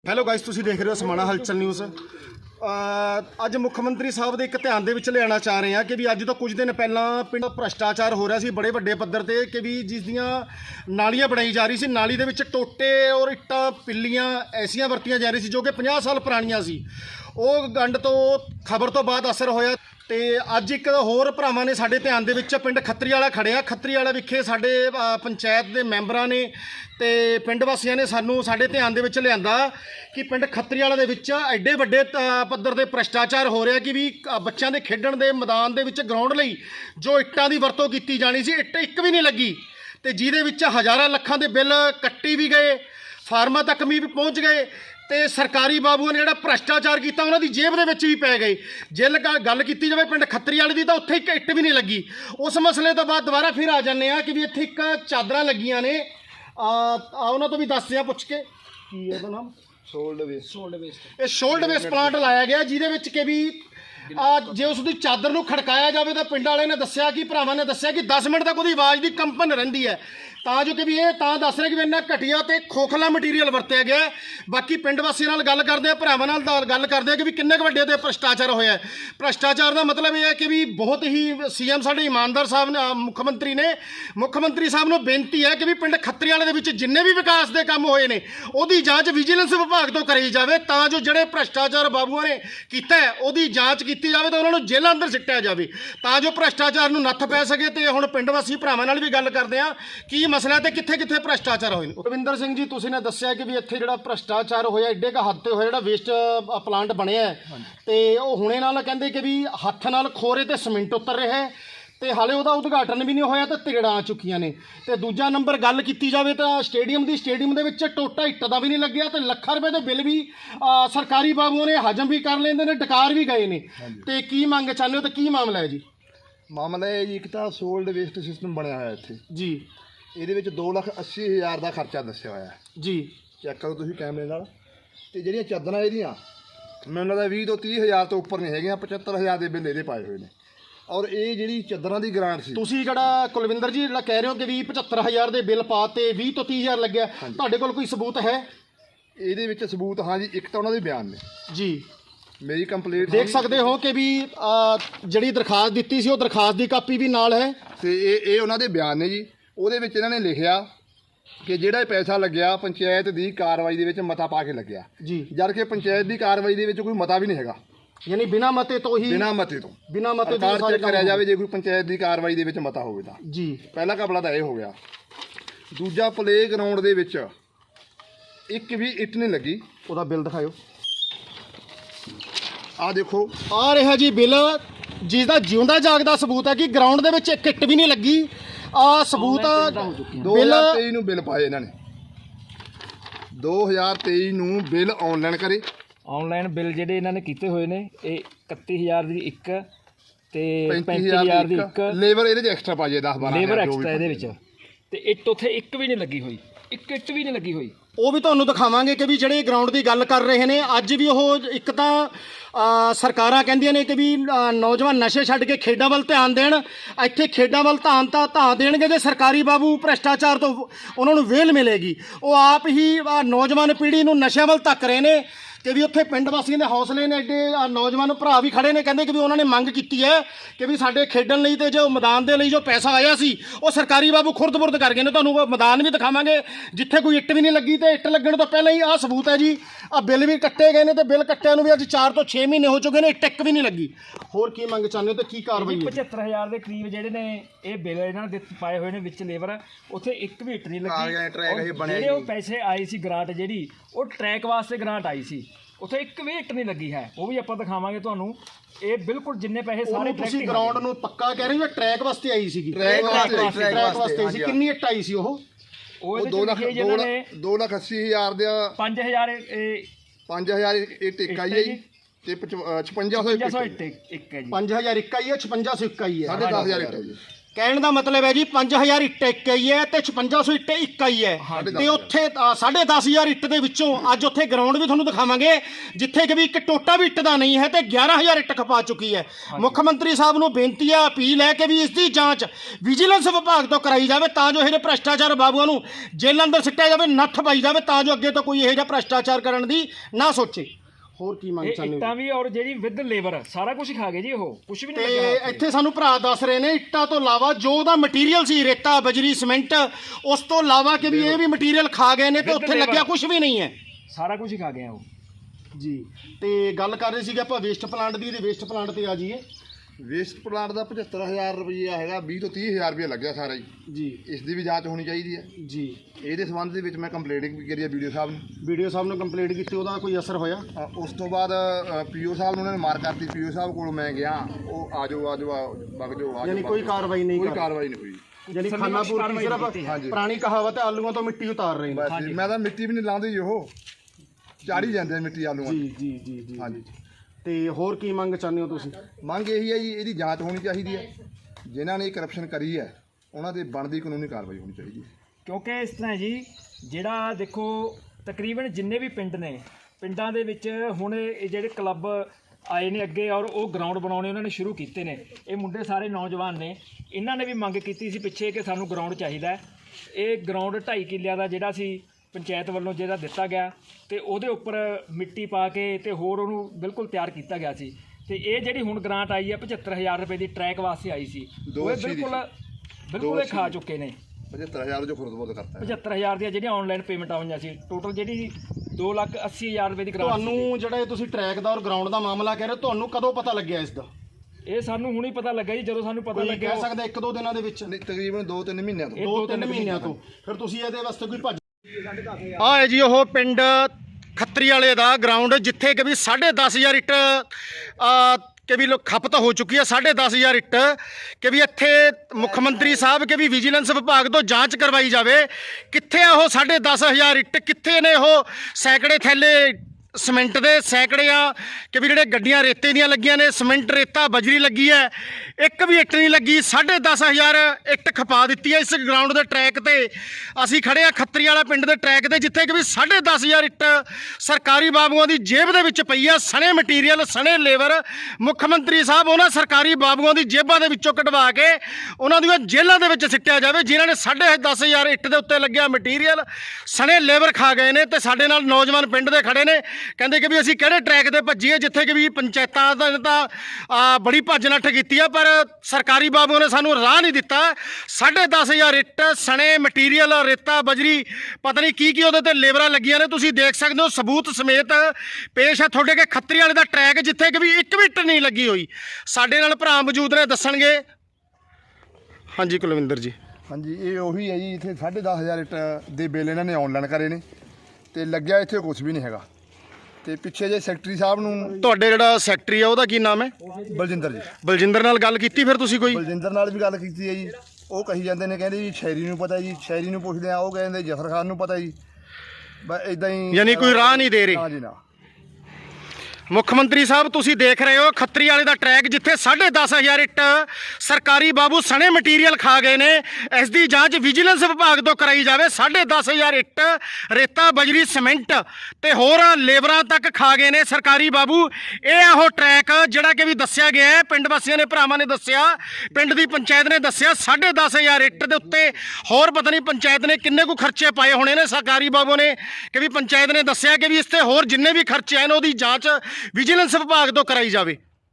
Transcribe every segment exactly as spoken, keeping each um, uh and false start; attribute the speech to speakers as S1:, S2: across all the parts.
S1: Hello guys, ਤੁਸੀਂ ਦੇਖ ਰਹੇ ਹੋ ਸਮਾਣਾ ਹਲਚਲ ਨਿਊਜ਼। ਅੱਜ ਮੁੱਖ ਮੰਤਰੀ ਸਾਹਿਬ ਦੇ ਇੱਕ ਧਿਆਨ ਦੇ ਵਿੱਚ ਲਿਆਉਣਾ ਚਾਹ ਰਹੇ ਹਾਂ ਕਿ ਵੀ ਅੱਜ ਤੋਂ ਕੁਝ ਦਿਨ ਪਹਿਲਾਂ ਪਿੰਡ ਭ੍ਰਸ਼ਟਾਚਾਰ ਹੋ ਰਿਹਾ ਸੀ ਬੜੇ ਵੱਡੇ ਪੱਧਰ ਤੇ, ਕਿ ਵੀ ਜਿਸ ਦੀਆਂ ਨਾਲੀਆਂ ਬਣਾਈ ਜਾ ਰਹੀ ਸੀ, ਨਾਲੀ ਦੇ ਵਿੱਚ ਟੋਟੇ ਔਰ ਇੱਟਾਂ ਪਿੱਲੀਆਂ ਐਸੀਆਂ ਵਰਤੀਆਂ ਜਾ ਰਹੀ ਸੀ ਜੋ ਕਿ ਪੰਜਾਹ ਸਾਲ ਪੁਰਾਣੀਆਂ ਸੀ। ਉਹ ਗੰਢ ਤੋਂ ਖਬਰ ਤੋਂ ਬਾਅਦ ਅਸਰ ਹੋਇਆ ਤੇ ਅੱਜ ਇੱਕ ਹੋਰ ਭਰਾਵਾਂ ਨੇ ਸਾਡੇ ਧਿਆਨ ਦੇ ਵਿੱਚ ਪਿੰਡ ਖੱਤਰੀ ਵਾਲਾ ਖੜਿਆ। ਖੱਤਰੀ ਵਾਲਾ ਵਿਖੇ ਸਾਡੇ ਪੰਚਾਇਤ ਦੇ ਮੈਂਬਰਾਂ ਨੇ ਤੇ ਪਿੰਡ ਵਾਸੀਆਂ ਨੇ ਸਾਨੂੰ ਸਾਡੇ ਧਿਆਨ ਦੇ ਵਿੱਚ ਲਿਆਂਦਾ ਕਿ ਪਿੰਡ ਖੱਤਰੀ ਵਾਲਾ ਦੇ ਵਿੱਚ ਐਡੇ ਵੱਡੇ ਪੱਧਰ ਦੇ ਭ੍ਰਸ਼ਟਾਚਾਰ ਹੋ ਰਿਹਾ ਕਿ ਵੀ ਬੱਚਿਆਂ ਦੇ ਖੇਡਣ ਦੇ ਮੈਦਾਨ ਦੇ ਵਿੱਚ ਗਰਾਊਂਡ ਲਈ ਜੋ ਇੱਟਾਂ ਦੀ ਵਰਤੋਂ ਕੀਤੀ ਜਾਣੀ ਸੀ, ਇੱਟ ਇੱਕ ਵੀ ਨਹੀਂ ਲੱਗੀ ਤੇ ਜਿਹਦੇ ਵਿੱਚ ਹਜ਼ਾਰਾਂ ਲੱਖਾਂ ਦੇ ਬਿੱਲ ਕੱਟੀ ਵੀ ਗਏ, ਫਾਰਮਾਂ ਤੱਕ ਵੀ ਪਹੁੰਚ ਗਏ ਤੇ ਸਰਕਾਰੀ ਬਾਬੂਆਂ ਨੇ ਜਿਹੜਾ ਭ੍ਰਸ਼ਟਾਚਾਰ ਕੀਤਾ ਉਹਨਾਂ ਦੀ ਜੇਬ ਦੇ ਵਿੱਚ ਵੀ ਪੈ ਗਏ। ਜੇ ਗੱਲ ਕੀਤੀ ਜਾਵੇ ਪਿੰਡ ਖੱਤਰੀ ਵਾਲੇ ਦੀ ਤਾਂ ਉੱਥੇ ਇੱਕ ਇੱਟ ਵੀ ਨਹੀਂ ਲੱਗੀ। ਉਸ ਮਸਲੇ ਤੋਂ ਬਾਅਦ ਦੁਬਾਰਾ ਫਿਰ ਆ ਜਾਂਦੇ ਆ ਕਿ ਵੀ ਇੱਥੇ ਇੱਕ ਚਾਦਰਾਂ ਲੱਗੀਆਂ ਨੇ, ਆ ਉਹਨਾਂ ਤੋਂ ਵੀ ਦੱਸਦੇ ਆ ਪੁੱਛ ਕੇ ਕੀ ਇਹਦਾ ਨਾਮ
S2: ਸੋਲਡ ਵੇਸਟ
S1: ਸੋਲਡ ਵੇਸਟ ਇਹ ਸੋਲਡ ਵੇਸਟ ਪਲਾਂਟ ਲਾਇਆ ਗਿਆ ਜਿਹਦੇ ਵਿੱਚ ਕਿ ਵੀ ਆ ਜੇ ਉਸ ਦੀ ਚਾਦਰ ਨੂੰ ਖੜਕਾਇਆ ਜਾਵੇ ਤਾਂ ਪਿੰਡ ਵਾਲੇ ਨੇ ਦੱਸਿਆ ਕਿ ਭਰਾਵਾਂ ਨੇ ਦੱਸਿਆ ਕਿ ਦਸ ਮਿੰਟ ਤੱਕ ਉਹਦੀ ਆਵਾਜ਼ ਦੀ ਕੰਪਨ ਰਹਿੰਦੀ ਹੈ, ਤਾਂ ਜੋ ਕਿ ਵੀ ਇਹ ਤਾਂ ਦੱਸ ਰਹੇ ਕਿ ਇੰਨਾ ਘਟੀਆ ਤੇ ਖੋਖਲਾ ਮਟੀਰੀਅਲ ਵਰਤਿਆ ਗਿਆ। ਬਾਕੀ ਪਿੰਡ ਵਾਸੀਆਂ ਨਾਲ ਗੱਲ ਕਰਦੇ ਆ, ਭਰਾਵਾਂ ਨਾਲ ਗੱਲ ਕਰਦੇ ਆ ਕਿ ਵੀ ਕਿੰਨੇ ਕੁ ਵੱਡੇ ਤੇ ਭ੍ਰਸ਼ਟਾਚਾਰ ਹੋਇਆ। ਭ੍ਰਸ਼ਟਾਚਾਰ ਦਾ ਮਤਲਬ ਇਹ ਹੈ ਕਿ ਵੀ ਬਹੁਤ ਹੀ ਸੀਐਮ ਸਾਡੇ ਇਮਾਨਦਾਰ ਸਾਹਿਬ ਨੇ, ਮੁੱਖ ਮੰਤਰੀ ਨੇ ਮੁੱਖ ਮੰਤਰੀ ਸਾਹਿਬ ਨੂੰ ਬੇਨਤੀ ਹੈ ਕਿ ਵੀ ਪਿੰਡ ਖੱਤਰੀ ਵਾਲੇ ਦੇ ਵਿੱਚ ਜਿੰਨੇ ਵੀ ਵਿਕਾਸ ਦੇ ਕੰਮ ਹੋਏ ਨੇ ਉਹਦੀ ਜਾਂਚ ਵਿਜੀਲੈਂਸ ਵਿਭਾਗ ਤੋਂ ਕਰਾਈ ਜਾਵੇ, ਤਾਂ ਜੋ ਜਿਹੜੇ ਭ੍ਰਸ਼ਟਾਚਾਰ ਬਾਬੂਆਂ ਨੇ ਕੀਤਾ ਉਹਦੀ ਜਾਂਚ ਕੀਤੀ ਜਾਵੇ ਤੇ ਉਹਨਾਂ ਨੂੰ ਜੇਲ੍ਹਾਂ ਅੰਦਰ ਸਿੱਟਿਆ ਜਾਵੇ, ਤਾਂ ਜੋ ਭ੍ਰਸ਼ਟਾਚਾਰ ਨੂੰ ਨੱਥ ਪੈ ਸਕੇ। ਤੇ ਹੁਣ ਪਿੰਡ ਵਾਸੀ ਭਰਾਵਾਂ ਨਾਲ ਵੀ ਗੱਲ ਕਰਦੇ ਆ ਕੀ ਮਸਲਾ ਤੇ ਕਿੱਥੇ ਕਿੱਥੇ ਭ੍ਰਸ਼ਟਾਚਾਰ ਹੋਏ ਨੇ। ਰਵਿੰਦਰ ਸਿੰਘ ਜੀ, ਤੁਸੀਂ ਨੇ ਦੱਸਿਆ ਕਿ ਵੀ ਇੱਥੇ ਜਿਹੜਾ ਭ੍ਰਸ਼ਟਾਚਾਰ ਹੋਇਆ ਏਡੇ ਕੁ ਹੱਦ ਤੇ ਹੋਇਆ, ਜਿਹੜਾ ਵੇਸਟ ਪਲਾਂਟ ਬਣਿਆ ਤੇ ਉਹ ਹੁਣੇ ਨਾਲ ਕਹਿੰਦੇ ਕਿ ਵੀ ਹੱਥ ਨਾਲ ਖੋਰੇ ਤੇ ਸੀਮਿੰਟ ਉਤਰ ਰਿਹਾ ਤੇ ਹਾਲੇ ਉਹਦਾ ਉਦਘਾਟਨ ਵੀ ਨਹੀਂ ਹੋਇਆ ਤੇ ਤਿਗੜਾਂ ਆ ਚੁੱਕੀਆਂ ਨੇ। ਤੇ ਦੂਜਾ ਨੰਬਰ ਗੱਲ ਕੀਤੀ ਜਾਵੇ ਤਾਂ ਸਟੇਡੀਅਮ ਦੀ ਸਟੇਡੀਅਮ ਦੇ ਵਿੱਚ ਟੋਟਾ ਇੱਟ ਦਾ ਵੀ ਨਹੀਂ ਲੱਗਿਆ ਤੇ ਲੱਖਾਂ ਰੁਪਏ ਦੇ ਬਿੱਲ ਵੀ ਸਰਕਾਰੀ ਬਾਬੂਆਂ ਨੇ ਹਜਮ ਵੀ ਕਰ ਲੈਂਦੇ ਨੇ, ਡਕਾਰ ਵੀ ਗਏ ਨੇ। ਤੇ ਕੀ ਮੰਗ ਚਾਹੁੰਦੇ ਹੋ ਤੇ ਕੀ ਮਾਮਲਾ ਹੈ ਜੀ?
S2: ਮਾਮਲਾ ਇਹ ਜੀ, ਇੱਕ ਤਾਂ ਸੋਲਡ ਵੇਸਟ ਸਿਸਟਮ ਬਣਿਆ ਹੋਇਆ ਇੱਥੇ
S1: ਜੀ,
S2: ਇਹਦੇ ਵਿੱਚ ਦੋ ਲੱਖ ਅੱਸੀ ਹਜ਼ਾਰ ਦਾ ਖਰਚਾ ਦੱਸਿਆ ਹੋਇਆ
S1: ਜੀ।
S2: ਚੈੱਕ ਕਰੋ ਤੁਸੀਂ ਕੈਮਰੇ ਨਾਲ। ਤੇ ਜਿਹੜੀਆਂ ਚਾਦਰਾਂ ਇਹਦੀਆਂ ਮੈਨੂੰ ਲੱਗਦਾ ਵੀਹ ਤੋਂ ਤੀਹ ਹਜ਼ਾਰ ਤੋਂ ਉੱਪਰ ਨਹੀਂ ਹੈਗੀਆਂ, ਪਝੱਤਰ ਹਜ਼ਾਰ ਦੇ ਬਿੱਲ ਇਹਦੇ ਪਾਏ ਹੋਏ ਨੇ। ਔਰ ਇਹ ਜਿਹੜੀ ਚਾਦਰਾਂ ਦੀ ਗ੍ਰਾਂਟ ਸੀ, ਤੁਸੀਂ
S1: ਜਿਹੜਾ ਕੁਲਵਿੰਦਰ ਜੀ ਜਿਹੜਾ ਕਹਿ ਰਹੇ ਹੋ ਕਿ ਵੀਹ ਪਝੱਤਰ ਹਜ਼ਾਰ ਦੇ ਬਿੱਲ ਪਾ ਤੇ ਵੀਹ ਤੋਂ ਤੀਹ ਹਜ਼ਾਰ ਲੱਗਿਆ, ਤੁਹਾਡੇ ਕੋਲ ਕੋਈ ਸਬੂਤ ਹੈ?
S2: ਇਹਦੇ ਵਿੱਚ ਸਬੂਤ ਹਾਂ ਜੀ, ਇੱਕ ਤਾਂ ਉਹਨਾਂ ਦੇ ਬਿਆਨ ਨੇ
S1: ਜੀ।
S2: ਮੇਰੀ ਕੰਪਲੇਂਟ
S1: ਦੇਖ ਸਕਦੇ ਹੋ ਕਿ ਵੀ ਜਿਹੜੀ ਦਰਖਾਸਤ ਦਿੱਤੀ ਸੀ ਉਹ ਦਰਖਾਸਤ ਦੀ ਕਾਪੀ ਵੀ ਨਾਲ ਹੈ
S2: ਤੇ ਇਹ ਇਹ ਉਹਨਾਂ ਦੇ ਬਿਆਨ ਨੇ ਜੀ। ਉਹਦੇ ਵਿੱਚ ਇਹਨਾਂ ਨੇ ਲਿਖਿਆ ਕਿ ਜਿਹੜਾ ਪੈਸਾ ਲੱਗਿਆ ਪੰਚਾਇਤ ਦੀ ਕਾਰਵਾਈ ਦੇ ਵਿੱਚ ਮਤਾ ਪਾ ਕੇ ਲੱਗਿਆ
S1: ਜੀ,
S2: ਜਦ ਕਿ ਪੰਚਾਇਤ ਦੀ ਕਾਰਵਾਈ ਦੇ ਵਿੱਚ ਕੋਈ ਮਤਾ ਵੀ ਨਹੀਂ ਹੈਗਾ,
S1: ਯਾਨੀ ਬਿਨਾਂ ਮਤੇ ਤੋਂ ਹੀ
S2: ਬਿਨਾਂ ਮਤੇ ਤੋਂ
S1: ਬਿਨਾਂ ਮਤੇ ਤੋਂ
S2: ਸਾਰੇ ਕਰਿਆ ਜਾਵੇ ਜੇ ਕੋਈ ਪੰਚਾਇਤ ਦੀ ਕਾਰਵਾਈ ਦੇ ਵਿੱਚ ਮਤਾ ਹੋਵੇ ਤਾਂ
S1: ਜੀ।
S2: ਪਹਿਲਾ ਘਪਲਾ ਤਾਂ ਇਹ ਹੋ ਗਿਆ। ਦੂਜਾ, ਪਲੇ ਗਰਾਊਂਡ ਦੇ ਵਿੱਚ ਇੱਕ ਵੀ ਇੱਟ ਨਹੀਂ ਲੱਗੀ।
S1: ਉਹਦਾ ਬਿੱਲ ਦਿਖਾਇਓ।
S2: ਆਹ ਦੇਖੋ,
S1: ਆ ਰਿਹਾ ਜੀ ਬਿੱਲ, ਜਿਸ ਦਾ ਜਿਉਂਦਾ ਜਾਗਦਾ ਸਬੂਤ ਹੈ ਕਿ ਗਰਾਊਂਡ ਦੇ ਵਿੱਚ ਇੱਕ ਇੱਟ ਵੀ ਨਹੀਂ ਲੱਗੀ। ਆ ਸਬੂਤ
S2: ਦੋ ਹਜ਼ਾਰ ਤੇਈ ਨੂੰ ਬਿੱਲ ਪਾਏ ਇਹਨਾਂ ਨੇ, ਦੋ ਹਜ਼ਾਰ ਤੇਈ ਨੂੰ ਬਿੱਲ ਆਨਲਾਈਨ ਕਰੇ।
S3: ਆਨਲਾਈਨ ਬਿੱਲ ਜਿਹੜੇ ਇਹਨਾਂ ਨੇ ਕੀਤੇ ਹੋਏ ਨੇ ਇਹ ਇਕੱਤੀ ਹਜ਼ਾਰ ਦੀ ਇੱਕ ਤੇ ਪੈਂਤੀ ਹਜ਼ਾਰ ਦੀ ਇੱਕ,
S2: ਲੇਬਰ ਇਹਦੇ 'ਚ ਐਕਸਟਰਾ ਪਾ ਜੇ ਦਸ ਬਾਰਾਂ
S3: ਲੇਬਰ ਐਕਸਟਰਾ ਇਹਦੇ ਵਿੱਚ, ਤੇ ਇੱਟ ਉੱਥੇ ਇੱਕ ਵੀ ਨਹੀਂ ਲੱਗੀ ਹੋਈ, ਇੱਕ ਇੱਟ ਵੀ ਨਹੀਂ ਲੱਗੀ ਹੋਈ।
S1: ਉਹ ਵੀ ਤੁਹਾਨੂੰ ਦਿਖਾਵਾਂਗੇ ਕਿ ਵੀ ਜਿਹੜੇ ਗਰਾਊਂਡ ਦੀ ਗੱਲ ਕਰ ਰਹੇ ਨੇ ਅੱਜ ਵੀ ਉਹ ਇੱਕ ਤਾਂ ਸਰਕਾਰਾਂ ਕਹਿੰਦੀਆਂ ਨੇ ਕਿ ਵੀ ਨੌਜਵਾਨ ਨਸ਼ੇ ਛੱਡ ਕੇ ਖੇਡਾਂ ਵੱਲ ਧਿਆਨ ਦੇਣ, ਇੱਥੇ ਖੇਡਾਂ ਵੱਲ ਧਿਆਨ ਤਾਂ ਤਾਂ ਦੇਣਗੇ ਜੇ ਸਰਕਾਰੀ ਬਾਬੂ ਭ੍ਰਸ਼ਟਾਚਾਰ ਤੋਂ ਉਹਨਾਂ ਨੂੰ ਵੇਲ ਮਿਲੇਗੀ। ਉਹ ਆਪ ਹੀ ਨੌਜਵਾਨ ਪੀੜ੍ਹੀ ਨੂੰ ਨਸ਼ਿਆਂ ਵੱਲ ਧੱਕ ਰਹੇ ਨੇ ਕਿ ਵੀ ਉੱਥੇ ਪਿੰਡ ਵਾਸੀਆਂ ਦੇ ਹੌਸਲੇ ਨੇ, ਐਡੇ ਨੌਜਵਾਨ ਭਰਾ ਵੀ ਖੜੇ ਨੇ, ਕਹਿੰਦੇ ਕਿ ਵੀ ਉਹਨਾਂ ਨੇ ਮੰਗ ਕੀਤੀ ਹੈ ਕਿ ਵੀ ਸਾਡੇ ਖੇਡਣ ਲਈ ਤੇ ਜੋ ਮੈਦਾਨ ਦੇ ਲਈ ਜੋ ਪੈਸਾ ਆਇਆ ਸੀ ਉਹ ਸਰਕਾਰੀ ਬਾਬੂ ਖੁਰਦ-ਬੁਰਦ ਕਰ ਗਏ ਨੇ। ਤੁਹਾਨੂੰ ਮੈਦਾਨ ਵੀ ਦਿਖਾਵਾਂਗੇ ਜਿੱਥੇ ਕੋਈ ਇੱਟ ਵੀ ਨਹੀਂ ਲੱਗੀ ਤੇ ਇੱਟ ਲੱਗਣ ਤੋਂ ਪਹਿਲਾਂ ਹੀ ਆਹ ਸਬੂਤ ਹੈ ਜੀ। ਆਹ ਬਿੱਲ ਵੀ ਕੱਟੇ ਗਏ ਨੇ ਤੇ ਬਿੱਲ ਕੱਟਿਆਂ ਨੂੰ ਵੀ ਅੱਜ ਚਾਰ ਤੋਂ ਛੇ ਮਹੀਨੇ ਹੋ ਚੁੱਕੇ ਨੇ, ਇੱਟ ਇੱਕ ਵੀ ਨਹੀਂ ਲੱਗੀ। ਹੋਰ ਕੀ ਮੰਗ ਚਾਹੁੰਦੇ ਹੋ ਤੇ ਕੀ ਕਾਰਵਾਈ ਹੈ?
S3: ਪਝੱਤਰ ਹਜ਼ਾਰ ਦੇ ਕਰੀਬ ਜਿਹੜੇ ਨੇ ਇਹ ਬਿੱਲ ਇਹਨਾਂ ਨੇ ਪਾਏ ਹੋਏ ਨੇ ਵਿੱਚ ਲੇਬਰ, ਉੱਥੇ ਇੱਕ ਵੀ ਇੱਟ ਨਹੀਂ ਲੱਗੀ। ਜਿਹੜੇ ਉਹ ਪੈਸੇ ਆਏ ਸੀ ਗ੍ਰਾਂਟ, ਜਿਹੜੀ ਉਹ ਟਰੈਕ ਵਾਸਤੇ ਗ੍ਰਾਂਟ ਆਈ ਸੀ, ਉੱਥੇ ਇੱਕ ਵੀ ਇੱਟ ਨਹੀਂ ਲੱਗੀ ਹੈ। ਉਹ ਵੀ ਆਪਾਂ ਦਿਖਾਵਾਂਗੇ ਤੁਹਾਨੂੰ। ਇਹ ਬਿਲਕੁਲ ਜਿੰਨੇ ਪੈਸੇ ਸਾਰੇ
S1: ਤੁਸੀਂ ਗਰਾਊਂਡ ਨੂੰ ਪੱਕਾ ਕਹਿ ਰਹੇ ਹੋ, ਟਰੈਕ ਵਾਸਤੇ ਆਈ ਸੀਗੀ?
S2: ਟਰੈਕ ਵਾਸਤੇ
S1: ਟਰੈਕ ਵਾਸਤੇ ਆਈ ਸੀ। ਕਿੰਨੀ ਇੱਟ ਆਈ ਸੀ? ਉਹ
S2: ਉਹ ਦੋ ਲੱਖ ਦੋ ਲੱਖ ਅੱਸੀ ਹਜ਼ਾਰ ਦਾ
S3: ਪੰਜ ਹਜ਼ਾਰ
S2: ਪੰਜ ਹਜ਼ਾਰ ਇੱਟ ਇੱਕ ਆਈ ਹੈ ਜੀ ਤੇ ਛਪੰਜਾ ਸੌ
S3: ਇੱਟ ਇੱਕ ਹੈ ਜੀ।
S1: ਪੰਜ ਹਜ਼ਾਰ ਇੱਕ ਆਈ ਹੈ, ਛਪੰਜਾ ਸੌ ਇੱਕ ਆਈ ਹੈ,
S2: ਸਾਢੇ ਦਸ ਹਜ਼ਾਰ ਇੱਟ ਹੈ ਜੀ।
S1: ਕਹਿਣ ਦਾ ਮਤਲਬ ਹੈ ਜੀ ਪੰਜ ਹਜ਼ਾਰ ਇੱਟ ਇੱਕ ਆਈ ਹੈ ਤੇ ਛਪੰਜਾ ਸੌ ਇੱਟ ਇੱਕ ਆਈ ਹੈ ਤੇ ਉੱਥੇ ਸਾਢੇ ਦਸ ਹਜ਼ਾਰ ਇੱਟ ਦੇ ਵਿੱਚੋਂ ਅੱਜ ਉੱਥੇ ਗਰਾਊਂਡ ਵੀ ਤੁਹਾਨੂੰ ਦਿਖਾਵਾਂਗੇ ਜਿੱਥੇ ਕਿ ਵੀ ਇੱਕ ਟੋਟਾ ਵੀ ਇੱਟ ਦਾ ਨਹੀਂ ਹੈ ਤੇ ਗਿਆਰਾਂ ਹਜ਼ਾਰ ਇੱਟ ਖਪਾ ਚੁੱਕੀ ਹੈ। ਮੁੱਖ ਮੰਤਰੀ ਸਾਹਿਬ ਨੂੰ ਬੇਨਤੀ ਹੈ, ਅਪੀਲ ਹੈ ਕਿ ਵੀ ਇਸ ਦੀ ਜਾਂਚ ਵਿਜੀਲੈਂਸ ਵਿਭਾਗ ਤੋਂ ਕਰਾਈ ਜਾਵੇ ਤਾਂ ਜੋ ਇਹ ਜਿਹੇ ਭ੍ਰਸ਼ਟਾਚਾਰ ਬਾਬੂਆਂ ਨੂੰ ਜੇਲ੍ਹਾਂ ਅੰਦਰ ਸਿੱਟਿਆ ਜਾਵੇ, ਨੱਥ ਪਾਈ ਜਾਵੇ ਤਾਂ ਜੋ ਅੱਗੇ ਤੋਂ ਕੋਈ ਇਹੋ ਜਿਹਾ ਭ੍ਰਸ਼ਟਾਚਾਰ ਕਰਨ ਦੀ ਨਾ ਸੋਚੇ। ਹੋਰ ਕੀ ਮੰਗ
S3: ਇਹ
S1: ਚਾਹੁੰਦੇ ਹੋ?
S3: ਇੱਟਾਂ ਵੀ ਔਰ ਜਿਹੜੀ ਵਿਦ ਲੇਬਰ ਸਾਰਾ ਕੁਝ ਖਾ ਗਏ ਜੀ, ਉਹ ਕੁਝ ਵੀ ਨਹੀਂ
S1: ਤੇ
S3: ਲੱਗਿਆ।
S1: ਇੱਥੇ ਸਾਨੂੰ ਭਰਾ ਦੱਸ ਰਹੇ ਨੇ ਇੱਟਾਂ ਤੋਂ ਇਲਾਵਾ ਜੋ ਉਹਦਾ ਮਟੀਰੀਅਲ ਸੀ ਰੇਤਾ ਬਜਰੀ ਸੀਮੈਂਟ ਉਸ ਤੋਂ ਇਲਾਵਾ ਕਿ ਵੀ ਇਹ ਵੀ ਮਟੀਰੀਅਲ ਖਾ ਗਏ ਨੇ ਤੇ ਉੱਥੇ ਲੱਗਿਆ ਕੁਝ ਵੀ ਨਹੀਂ ਹੈ,
S3: ਸਾਰਾ ਕੁਝ ਖਾ ਗਏ ਆ ਉਹ
S1: ਜੀ। ਤੇ ਗੱਲ ਕਰ ਰਹੇ ਸੀਗੇ ਆਪਾਂ ਵੇਸਟ ਪਲਾਂਟ ਦੀ, ਤੇ ਵੇਸਟ ਪਲਾਂਟ ਤੇ ਆ ਜਾਈਏ।
S2: ਵੇਸਟ ਪਲਾਂਟ ਦਾ ਪਝੱਤਰ ਹਜ਼ਾਰ ਰੁਪਈਆ ਹੈਗਾ, ਵੀਹ ਤੋਂ ਤੀਹ ਹਜ਼ਾਰ ਰੁਪਈਆ ਲੱਗਿਆ ਸਾਰਾ ਜੀ
S1: ਜੀ
S2: ਇਸ ਦੀ ਵੀ ਜਾਂਚ ਹੋਣੀ ਚਾਹੀਦੀ ਹੈ
S1: ਜੀ।
S2: ਇਹਦੇ ਸੰਬੰਧ ਦੇ ਵਿੱਚ ਮੈਂ ਕੰਪਲੇਂਟ ਵੀ ਕਰੀ ਹੈ ਵੀਡੀਓ ਸਾਹਿਬ ਨੂੰ।
S1: ਵੀਡੀਓ ਸਾਹਿਬ ਨੂੰ ਕੰਪਲੀਟ ਕੀਤੀ, ਉਹਦਾ ਕੋਈ ਅਸਰ ਹੋਇਆ?
S2: ਅ, ਉਸ ਤੋਂ ਬਾਅਦ ਪੀਓ ਸਾਹਿਬ ਨੂੰ ਉਹਨਾਂ ਨੇ ਮਾਰ ਕਰਤੀ। ਪੀਓ ਸਾਹਿਬ ਕੋਲ ਮੈਂ ਗਿਆ, ਉਹ ਆਜੋ ਆਜੋ ਵਗ ਜੋ ਆਜੋ,
S1: ਯਾਨੀ ਕੋਈ ਕਾਰਵਾਈ ਨਹੀਂ
S2: ਕੋਈ
S1: ਕਰ
S2: ਕਾਰਵਾਈ ਨਹੀਂ ਹੋਈ।
S1: ਯਾਨੀ ਖਾਨਾ ਪੂਰਤੀ ਸਿਰਫ ਪੁਰਾਣੀ ਕਹਾਵਤ ਹੈ ਆਲੂਆਂ ਤੋਂ ਮਿੱਟੀ ਉਤਾਰ ਰਹੇ ਨੇ।
S2: ਬਸ ਜੀ, ਮੈਂ ਤਾਂ ਮਿੱਟੀ ਵੀ ਨਹੀਂ ਲਾਉਂਦੀ, ਉਹ ਚਾੜੀ ਜਾਂਦੇ ਆ ਮਿੱਟੀ ਆਲੂਆਂ
S1: ਜੀ ਜੀ ਜੀ ਜੀ।
S2: ਹਾਂਜੀ।
S1: ਤੇ ਹੋਰ ਕੀ ਮੰਗ ਚਾਹੁੰਦੇ ਹੋ ਤੁਸੀਂ?
S2: ਮੰਗ ਇਹੀ ਹੈ ਜੀ, ਇਹਦੀ ਜਾਂਚ ਹੋਣੀ ਚਾਹੀਦੀ ਹੈ। ਜਿਨ੍ਹਾਂ ਨੇ ਕਰਪਸ਼ਨ ਕਰੀ ਹੈ ਉਹਨਾਂ ਤੇ ਬਣਦੀ ਕਾਨੂੰਨੀ ਕਾਰਵਾਈ ਹੋਣੀ ਚਾਹੀਦੀ ਹੈ।
S3: ਕਿਉਂਕਿ ਇਸ ਤਰ੍ਹਾਂ ਜੀ, ਜਿਹੜਾ ਦੇਖੋ ਤਕਰੀਬਨ ਜਿੰਨੇ ਵੀ ਪਿੰਡ ਨੇ, ਪਿੰਡਾਂ ਦੇ ਵਿੱਚ ਹੁਣ ਇਹ ਜਿਹੜੇ ਕਲੱਬ ਆਏ ਨੇ ਅੱਗੇ ਔਰ ਉਹ ਗਰਾਊਂਡ ਬਣਾਉਣੇ ਉਹਨਾਂ ਨੇ ਸ਼ੁਰੂ ਕੀਤੇ ਨੇ। ਇਹ ਮੁੰਡੇ ਸਾਰੇ ਨੌਜਵਾਨ ਨੇ, ਇਹਨਾਂ ਨੇ ਵੀ ਮੰਗ ਕੀਤੀ ਸੀ ਪਿੱਛੇ ਕਿ ਸਾਨੂੰ ਗਰਾਊਂਡ ਚਾਹੀਦਾ। ਇਹ ਗਰਾਊਂਡ ਢਾਈ ਕਿੱਲਿਆਂ ਦਾ ਜਿਹੜਾ ਸੀ ਪੰਚਾਇਤ ਵੱਲੋਂ ਜਿਹੜਾ ਦਿੱਤਾ ਗਿਆ ਤੇ ਉਹਦੇ ਉੱਪਰ ਮਿੱਟੀ ਪਾ ਕੇ ਤੇ ਹੋਰ ਉਹਨੂੰ ਬਿਲਕੁਲ ਤਿਆਰ ਕੀਤਾ ਗਿਆ ਸੀ। ਤੇ ਇਹ ਜਿਹੜੀ ਹੁਣ ਗ੍ਰਾਂਟ ਆਈ ਹੈ ਪਝੱਤਰ ਹਜ਼ਾਰ ਰੁਪਏ ਦੀ ਟਰੈਕ ਵਾਸਤੇ ਆਈ ਸੀ, ਉਹ ਬਿਲਕੁਲ ਬਿਲਕੁਲ ਖਾ ਚੁੱਕੇ ਨੇ।
S2: ਪਝੱਤਰ ਹਜ਼ਾਰ ਜੋ ਖੁਰਦ-ਬੁਰਦ ਕਰਤਾ
S3: ਪਝੱਤਰ ਹਜ਼ਾਰ ਦੀਆਂ ਜਿਹੜੀਆਂ ਆਨਲਾਈਨ ਪੇਮੈਂਟਾਂ ਹੋਈਆਂ ਸੀ, ਟੋਟਲ ਜਿਹੜੀ ਦੋ ਲੱਖ ਅੱਸੀ ਹਜ਼ਾਰ ਰੁਪਏ ਦੀ ਗ੍ਰਾਂਟ ਸੀ।
S1: ਤੁਹਾਨੂੰ ਜਿਹੜਾ ਇਹ ਤੁਸੀਂ ਟਰੈਕ ਦਾ ਔਰ ਗਰਾਊਂਡ ਦਾ ਮਾਮਲਾ ਕਹਿ ਰਹੇ ਹੋ, ਤੁਹਾਨੂੰ ਕਦੋਂ ਪਤਾ ਲੱਗਿਆ ਇਸ ਦਾ?
S3: ਇਹ ਸਾਨੂੰ ਹੁਣੀ ਪਤਾ ਲੱਗਾ ਜੀ, ਜਦੋਂ ਸਾਨੂੰ ਪਤਾ
S1: ਕੋਈ
S3: ਲੱਗਿਆ।
S1: ਕਹਿ ਸਕਦਾ ਇੱਕ ਦੋ ਦਿਨਾਂ ਦੇ ਵਿੱਚ?
S2: ਨਹੀਂ, ਤਕਰੀਬਨ ਦੋ ਤਿੰਨ ਮਹੀਨਿਆਂ ਤੋਂ।
S1: ਦੋ ਤਿੰਨ ਮਹੀਨਿਆਂ ਤੋਂ। ਫਿਰ ਤੁਸੀਂ ਇਹਦੇ ਵਾਸਤੇ ਕੋਈ ਭੱਜ ਆ ਹੈ ਜੀ ਉਹ ਪਿੰਡ ਖੱਤਰੀ ਵਾਲੇ ਦਾ ਗਰਾਊਂਡ ਜਿੱਥੇ ਕਿ ਵੀ ਸਾਢੇ ਦਸ ਹਜ਼ਾਰ ਇੱਟ ਕਿ ਵੀ ਲੋਕ ਖਪਤ ਹੋ ਚੁੱਕੀ ਹੈ। ਸਾਢੇ ਦਸ ਹਜ਼ਾਰ ਇੱਟ ਕਿ ਵੀ ਇੱਥੇ ਮੁੱਖ ਮੰਤਰੀ ਸਾਹਿਬ ਕਿ ਵੀ ਵਿਜੀਲੈਂਸ ਵਿਭਾਗ ਤੋਂ ਜਾਂਚ ਕਰਵਾਈ ਜਾਵੇ। ਕਿੱਥੇ ਆ ਉਹ ਸਾਢੇ ਦਸ ਹਜ਼ਾਰ ਇੱਟ? ਕਿੱਥੇ ਨੇ ਉਹ ਸੈਂਕੜੇ ਥੈਲੇ ਸੀਮੈਂਟ ਦੇ, ਸੈਂਕੜੇ ਆ ਕਿ ਵੀ ਜਿਹੜੇ ਗੱਡੀਆਂ ਰੇਤੇ ਦੀਆਂ ਲੱਗੀਆਂ ਨੇ, ਸੀਮੈਂਟ ਰੇਤਾ ਬਜਰੀ ਲੱਗੀ ਹੈ, ਇੱਕ ਵੀ ਇੱਟ ਨਹੀਂ ਲੱਗੀ। ਸਾਢੇ ਦਸ ਹਜ਼ਾਰ ਇੱਟ ਖਪਾ ਦਿੱਤੀ ਹੈ ਇਸ ਗਰਾਊਂਡ ਦੇ ਟਰੈਕ ਤੇ। ਅਸੀਂ ਖੜੇ ਆ ਖੱਤਰੀ ਵਾਲਾ ਪਿੰਡ ਦੇ ਟਰੈਕ ਤੇ ਜਿੱਥੇ ਕਿ ਵੀ ਸਾਢੇ ਦਸ ਹਜ਼ਾਰ ਇੱਟ ਸਰਕਾਰੀ ਬਾਬੂਆਂ ਦੀ ਜੇਬ ਦੇ ਵਿੱਚ ਪਈ ਆ, ਸਣੇ ਮਟੀਰੀਅਲ, ਸਣੇ ਲੇਬਰ। ਮੁੱਖ ਮੰਤਰੀ ਸਾਹਿਬ ਉਹਨਾਂ ਸਰਕਾਰੀ ਬਾਬੂਆਂ ਦੀ ਜੇਬਾਂ ਦੇ ਵਿੱਚੋਂ ਕਢਵਾ ਕੇ ਉਹਨਾਂ ਦੀਆਂ ਜੇਲ੍ਹਾਂ ਦੇ ਵਿੱਚ ਸਿੱਟਿਆ ਜਾਵੇ ਜਿਨ੍ਹਾਂ ਨੇ ਸਾਢੇ ਦਸ ਹਜ਼ਾਰ ਇੱਟ ਦੇ ਉੱਤੇ ਲੱਗਿਆ ਮਟੀਰੀਅਲ, ਸਣੇ ਲੇਬਰ ਖਾ ਗਏ ਨੇ। ਤੇ ਸਾਡੇ ਨਾਲ ਨੌਜਵਾਨ ਪਿੰਡ ਦੇ ਖੜੇ ਨੇ, ਕਹਿੰਦੇ ਕਿ ਵੀ ਅਸੀਂ ਕਿਹੜੇ ਟਰੈਕ ਤੇ ਭੱਜੀਏ ਜਿੱਥੇ ਕਿ ਵੀ ਪੰਚਾਇਤਾਂ ਦਾ ਤਾਂ ਬੜੀ ਭੱਜ ਨੱਠ ਕੀਤੀ ਆ ਪਰ ਸਰਕਾਰੀ ਬਾਬੂਆਂ ਨੇ ਸਾਨੂੰ ਰਾਹ ਨਹੀਂ ਦਿੱਤਾ। ਸਾਢੇ ਦਸ ਹਜ਼ਾਰ ਇੱਟ, ਸਣੇ ਮਟੀਰੀਅਲ, ਰੇਤਾ ਬਜਰੀ, ਪਤਾ ਨਹੀਂ ਕੀ ਕੀ ਉਹਦੇ ਤੇ ਲੇਬਰਾਂ ਲੱਗੀਆਂ ਨੇ। ਤੁਸੀਂ ਦੇਖ ਸਕਦੇ ਹੋ, ਸਬੂਤ ਸਮੇਤ ਪੇਸ਼ ਹੈ ਤੁਹਾਡੇ ਕੇ ਖੱਤਰੀ ਵਾਲੇ ਦਾ ਟਰੈਕ ਜਿੱਥੇ ਕਿ ਵੀ ਇੱਕ ਵੀ ਇੱਟ ਨਹੀਂ ਲੱਗੀ ਹੋਈ। ਸਾਡੇ ਨਾਲ ਭਰਾ ਮੌਜੂਦ ਨੇ, ਦੱਸਣਗੇ। ਹਾਂਜੀ ਕੁਲਵਿੰਦਰ ਜੀ।
S2: ਹਾਂਜੀ, ਇਹ ਉਹੀ ਹੈ ਜੀ, ਇੱਥੇ ਸਾਢੇ ਦਸ ਹਜ਼ਾਰ ਇੱਟ ਦੇ ਬਿੱਲ ਇਹਨਾਂ ਨੇ ਆਨਲਾਈਨ ਕਰੇ ਨੇ ਤੇ ਲੱਗਿਆ ਇੱਥੇ ਕੁਝ ਵੀ ਨਹੀਂ ਹੈਗਾ। ਤੇ ਪਿੱਛੇ ਜੇ ਸੈਕਟਰੀ ਸਾਹਿਬ ਨੂੰ,
S1: ਤੁਹਾਡੇ ਜਿਹੜਾ ਸੈਕਟਰੀ ਆ ਉਹਦਾ ਕੀ ਨਾਮ ਹੈ?
S2: ਬਲਜਿੰਦਰ ਜੀ।
S1: ਬਲਜਿੰਦਰ ਨਾਲ ਗੱਲ ਕੀਤੀ ਫਿਰ ਤੁਸੀਂ ਕੋਈ?
S2: ਬਲਜਿੰਦਰ ਨਾਲ ਵੀ ਗੱਲ ਕੀਤੀ ਹੈ ਜੀ। ਉਹ ਕਹੀ ਜਾਂਦੇ ਨੇ, ਕਹਿੰਦੇ ਜੀ ਸ਼ਹਿਰੀ ਨੂੰ ਪਤਾ ਜੀ, ਸ਼ਹਿਰੀ ਨੂੰ ਪੁੱਛਦੇ ਆ, ਉਹ ਕਹਿੰਦੇ ਜਫਰ ਖਾਨ ਨੂੰ ਪਤਾ ਜੀ। ਬਸ ਇਦਾਂ ਹੀ,
S1: ਯਾਨੀ ਕੋਈ ਰਾਹ ਨਹੀਂ ਦੇ ਰਹੇ।
S2: ਹਾਂ ਜੀ ਨਾ।
S1: ਮੁੱਖ ਮੰਤਰੀ ਸਾਹਿਬ ਤੁਸੀਂ ਦੇਖ ਰਹੇ ਹੋ ਖੱਤਰੀ ਵਾਲੇ ਦਾ ਟਰੈਕ ਜਿੱਥੇ ਸਾਢੇ ਦਸ ਹਜ਼ਾਰ ਇੱਟ ਸਰਕਾਰੀ ਬਾਬੂ ਸਣੇ ਮਟੀਰੀਅਲ ਖਾ ਗਏ ਨੇ। ਇਸ ਦੀ ਜਾਂਚ ਵਿਜੀਲੈਂਸ ਵਿਭਾਗ ਤੋਂ ਕਰਾਈ ਜਾਵੇ। ਸਾਢੇ ਦਸ ਹਜ਼ਾਰ ਇੱਟ, ਰੇਤਾ ਬਜਰੀ ਸੀਮੈਂਟ ਤੇ ਹੋਰ ਲੇਬਰਾਂ ਤੱਕ ਖਾ ਗਏ ਨੇ ਸਰਕਾਰੀ ਬਾਬੂ। ਇਹ ਆ ਉਹ ਟਰੈਕ ਜਿਹੜਾ ਕਿ ਵੀ ਦੱਸਿਆ ਗਿਆ ਹੈ, ਪਿੰਡ ਵਾਸੀਆਂ ਨੇ, ਭਰਾਵਾਂ ਨੇ ਦੱਸਿਆ, ਪਿੰਡ ਦੀ ਪੰਚਾਇਤ ਨੇ ਦੱਸਿਆ। ਸਾਢੇ ਦਸ ਹਜ਼ਾਰ ਇੱਟ ਦੇ ਉੱਤੇ ਹੋਰ ਪਤਾ ਨਹੀਂ ਪੰਚਾਇਤ ਨੇ ਕਿੰਨੇ ਕੁ ਖਰਚੇ ਪਾਏ ਹੋਣੇ ਨੇ ਸਰਕਾਰੀ ਬਾਬੂ ਨੇ, ਕਿ ਵੀ ਪੰਚਾਇਤ ਨੇ ਦੱਸਿਆ ਕਿ ਵੀ ਇਸ ਤੇ ਹੋਰ ਜਿੰਨੇ ਵੀ ਖਰਚੇ ਆਏ ਨੇ ਉਹਦੀ ਜਾਂਚ ਵਿਜੀਲੈਂਸ ਵਿਭਾਗ ਤੋਂ ਕਰਾਈ ਜਾਵੇ।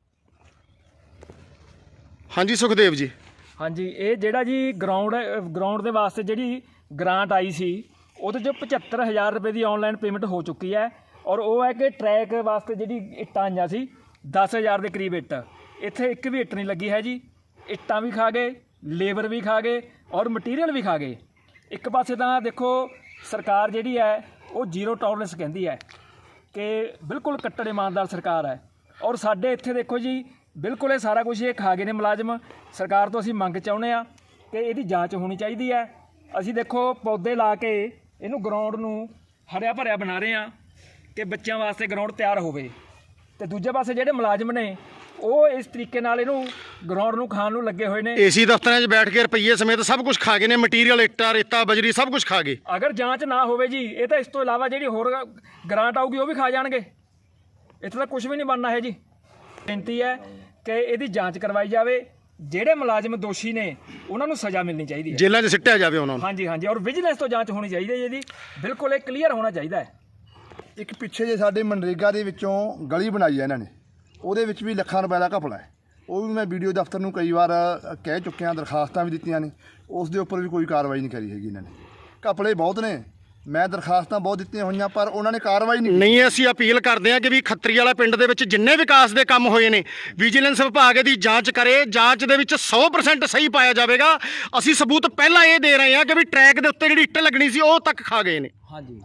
S1: ਹਾਂਜੀ ਸੁਖਦੇਵ ਜੀ।
S3: ਹਾਂਜੀ, ਇਹ ਜਿਹੜਾ ਜੀ ਗਰਾਊਂਡ ਗਰਾਊਂਡ ਦੇ ਵਾਸਤੇ ਜਿਹੜੀ ਗ੍ਰਾਂਟ ਆਈ ਸੀ ਉਹਦੇ 'ਚ ਪਝੱਤਰ ਹਜ਼ਾਰ ਰੁਪਏ ਦੀ ਆਨਲਾਈਨ ਪੇਮੈਂਟ ਹੋ ਚੁੱਕੀ ਹੈ। ਔਰ ਉਹ ਹੈ ਕਿ ਟਰੈਕ ਵਾਸਤੇ ਜਿਹੜੀ ਇੱਟਾਂ ਆਈਆਂ ਸੀ ਦਸ ਹਜ਼ਾਰ ਦੇ ਕਰੀਬ ਇੱਟ, ਇੱਥੇ ਇੱਕ ਵੀ ਇੱਟ ਨਹੀਂ ਲੱਗੀ ਹੈ ਜੀ। ਇੱਟਾਂ ਵੀ ਖਾ ਗਏ, ਲੇਬਰ ਵੀ ਖਾ ਗਏ ਔਰ ਮਟੀਰੀਅਲ ਵੀ ਖਾ ਗਏ। ਇੱਕ ਪਾਸੇ ਤਾਂ ਦੇਖੋ ਸਰਕਾਰ ਜਿਹੜੀ ਹੈ ਉਹ ਜ਼ੀਰੋ ਟੋਲਰੈਂਸ ਕਹਿੰਦੀ ਹੈ ਕਿ ਬਿਲਕੁਲ ਕੱਟੜ ਇਮਾਨਦਾਰ ਸਰਕਾਰ ਹੈ। ਔਰ ਸਾਡੇ ਇੱਥੇ ਦੇਖੋ ਜੀ ਬਿਲਕੁਲ ਇਹ ਸਾਰਾ ਕੁਝ ਇਹ ਖਾ ਗਏ ਨੇ ਮੁਲਾਜ਼ਮ। ਸਰਕਾਰ ਤੋਂ ਅਸੀਂ ਮੰਗ ਚਾਹੁੰਦੇ ਹਾਂ ਕਿ ਇਹਦੀ ਜਾਂਚ ਹੋਣੀ ਚਾਹੀਦੀ ਹੈ। ਅਸੀਂ ਦੇਖੋ ਪੌਦੇ ਲਾ ਕੇ ਇਹਨੂੰ ਗਰਾਊਂਡ ਨੂੰ ਹਰਿਆ ਭਰਿਆ ਬਣਾ ਰਹੇ ਹਾਂ ਕਿ ਬੱਚਿਆਂ ਵਾਸਤੇ ਗਰਾਊਂਡ ਤਿਆਰ ਹੋਵੇ। ਤੇ ਦੂਜੇ ਪਾਸੇ ਜਿਹੜੇ ਮੁਲਾਜ਼ਮ ਨੇ ਉਹ ਇਸ ਤਰੀਕੇ ਨਾਲ ਇਹਨੂੰ ਗਰਾਊਂਡ ਨੂੰ ਖਾਣ ਨੂੰ ਲੱਗੇ ਹੋਏ ਨੇ।
S1: ਏਸੀ ਦਫ਼ਤਰਾਂ 'ਚ ਬੈਠ ਕੇ ਰੁਪਈਏ ਸਮੇਤ ਸਭ ਕੁਝ ਖਾ ਗਏ ਨੇ, ਮਟੀਰੀਅਲ ਇੱਟਾਂ ਰੇਤਾ ਬਜਰੀ ਸਭ ਕੁਝ ਖਾ ਗਏ।
S3: ਅਗਰ ਜਾਂਚ ਨਾ ਹੋਵੇ ਜੀ, ਇਹ ਤਾਂ ਇਸ ਤੋਂ ਇਲਾਵਾ ਜਿਹੜੀ ਹੋਰ ਗ੍ਰਾਂਟ ਆਊਗੀ ਉਹ ਵੀ ਖਾ ਜਾਣਗੇ। ਇੱਥੇ ਤਾਂ ਕੁਝ ਵੀ ਨਹੀਂ ਬਣਨਾ ਹੈ ਜੀ। ਬੇਨਤੀ ਹੈ ਕਿ ਇਹਦੀ ਜਾਂਚ ਕਰਵਾਈ ਜਾਵੇ, ਜਿਹੜੇ ਮੁਲਾਜ਼ਮ ਦੋਸ਼ੀ ਨੇ ਉਹਨਾਂ ਨੂੰ ਸਜ਼ਾ ਮਿਲਣੀ ਚਾਹੀਦੀ ਹੈ,
S1: ਜੇਲ੍ਹਾਂ 'ਚ ਸਿੱਟਿਆ ਜਾਵੇ ਉਹਨਾਂ ਨੂੰ।
S3: ਹਾਂਜੀ ਹਾਂਜੀ, ਔਰ ਵਿਜੀਲੈਂਸ ਤੋਂ ਜਾਂਚ ਹੋਣੀ ਚਾਹੀਦੀ ਹੈ ਇਹਦੀ, ਬਿਲਕੁਲ ਇਹ ਕਲੀਅਰ ਹੋਣਾ ਚਾਹੀਦਾ ਹੈ।
S2: ਇੱਕ ਪਿੱਛੇ ਜੇ ਸਾਡੇ ਮਨਰੇਗਾ ਦੇ ਵਿੱਚੋਂ ਗਲੀ ਬਣਾਈ ਹੈ ਇਹਨਾਂ ਨੇ, ਉਹਦੇ ਵਿੱਚ ਵੀ ਲੱਖਾਂ ਰੁਪਏ ਦਾ ਘਪਲਾ ਹੈ। ਉਹ ਵੀ ਮੈਂ ਵੀਡੀਓ ਦਫ਼ਤਰ ਨੂੰ ਕਈ ਵਾਰ ਕਹਿ ਚੁੱਕਿਆ, ਦਰਖਾਸਤਾਂ ਵੀ ਦਿੱਤੀਆਂ ਨੇ, ਉਸ ਦੇ ਉੱਪਰ ਵੀ ਕੋਈ ਕਾਰਵਾਈ ਨਹੀਂ ਕਰੀ ਹੈਗੀ ਇਹਨਾਂ ਨੇ। ਘਪਲੇ ਬਹੁਤ ਨੇ, ਮੈਂ ਦਰਖਾਸਤਾਂ ਬਹੁਤ ਦਿੱਤੀਆਂ ਹੋਈਆਂ, ਪਰ ਉਹਨਾਂ ਨੇ ਕਾਰਵਾਈ ਨਹੀਂ
S1: ਨਹੀਂ ਅਸੀਂ ਅਪੀਲ ਕਰਦੇ ਹਾਂ ਕਿ ਵੀ ਖੱਤਰੀ ਵਾਲਾ ਪਿੰਡ ਦੇ ਵਿੱਚ ਜਿੰਨੇ ਵਿਕਾਸ ਦੇ ਕੰਮ ਹੋਏ ਨੇ ਵਿਜੀਲੈਂਸ ਵਿਭਾਗ ਦੀ ਜਾਂਚ ਕਰੇ। ਜਾਂਚ ਦੇ ਵਿੱਚ ਸੌ ਪ੍ਰਸੈਂਟ ਸਹੀ ਪਾਇਆ ਜਾਵੇਗਾ। ਅਸੀਂ ਸਬੂਤ ਪਹਿਲਾਂ ਇਹ ਦੇ ਰਹੇ ਹਾਂ ਕਿ ਵੀ ਟਰੈਕ ਦੇ ਉੱਤੇ ਜਿਹੜੀ ਇੱਟ ਲੱਗਣੀ ਸੀ ਉਹ ਤੱਕ ਖਾ ਗਏ ਨੇ।
S3: ਹਾਂਜੀ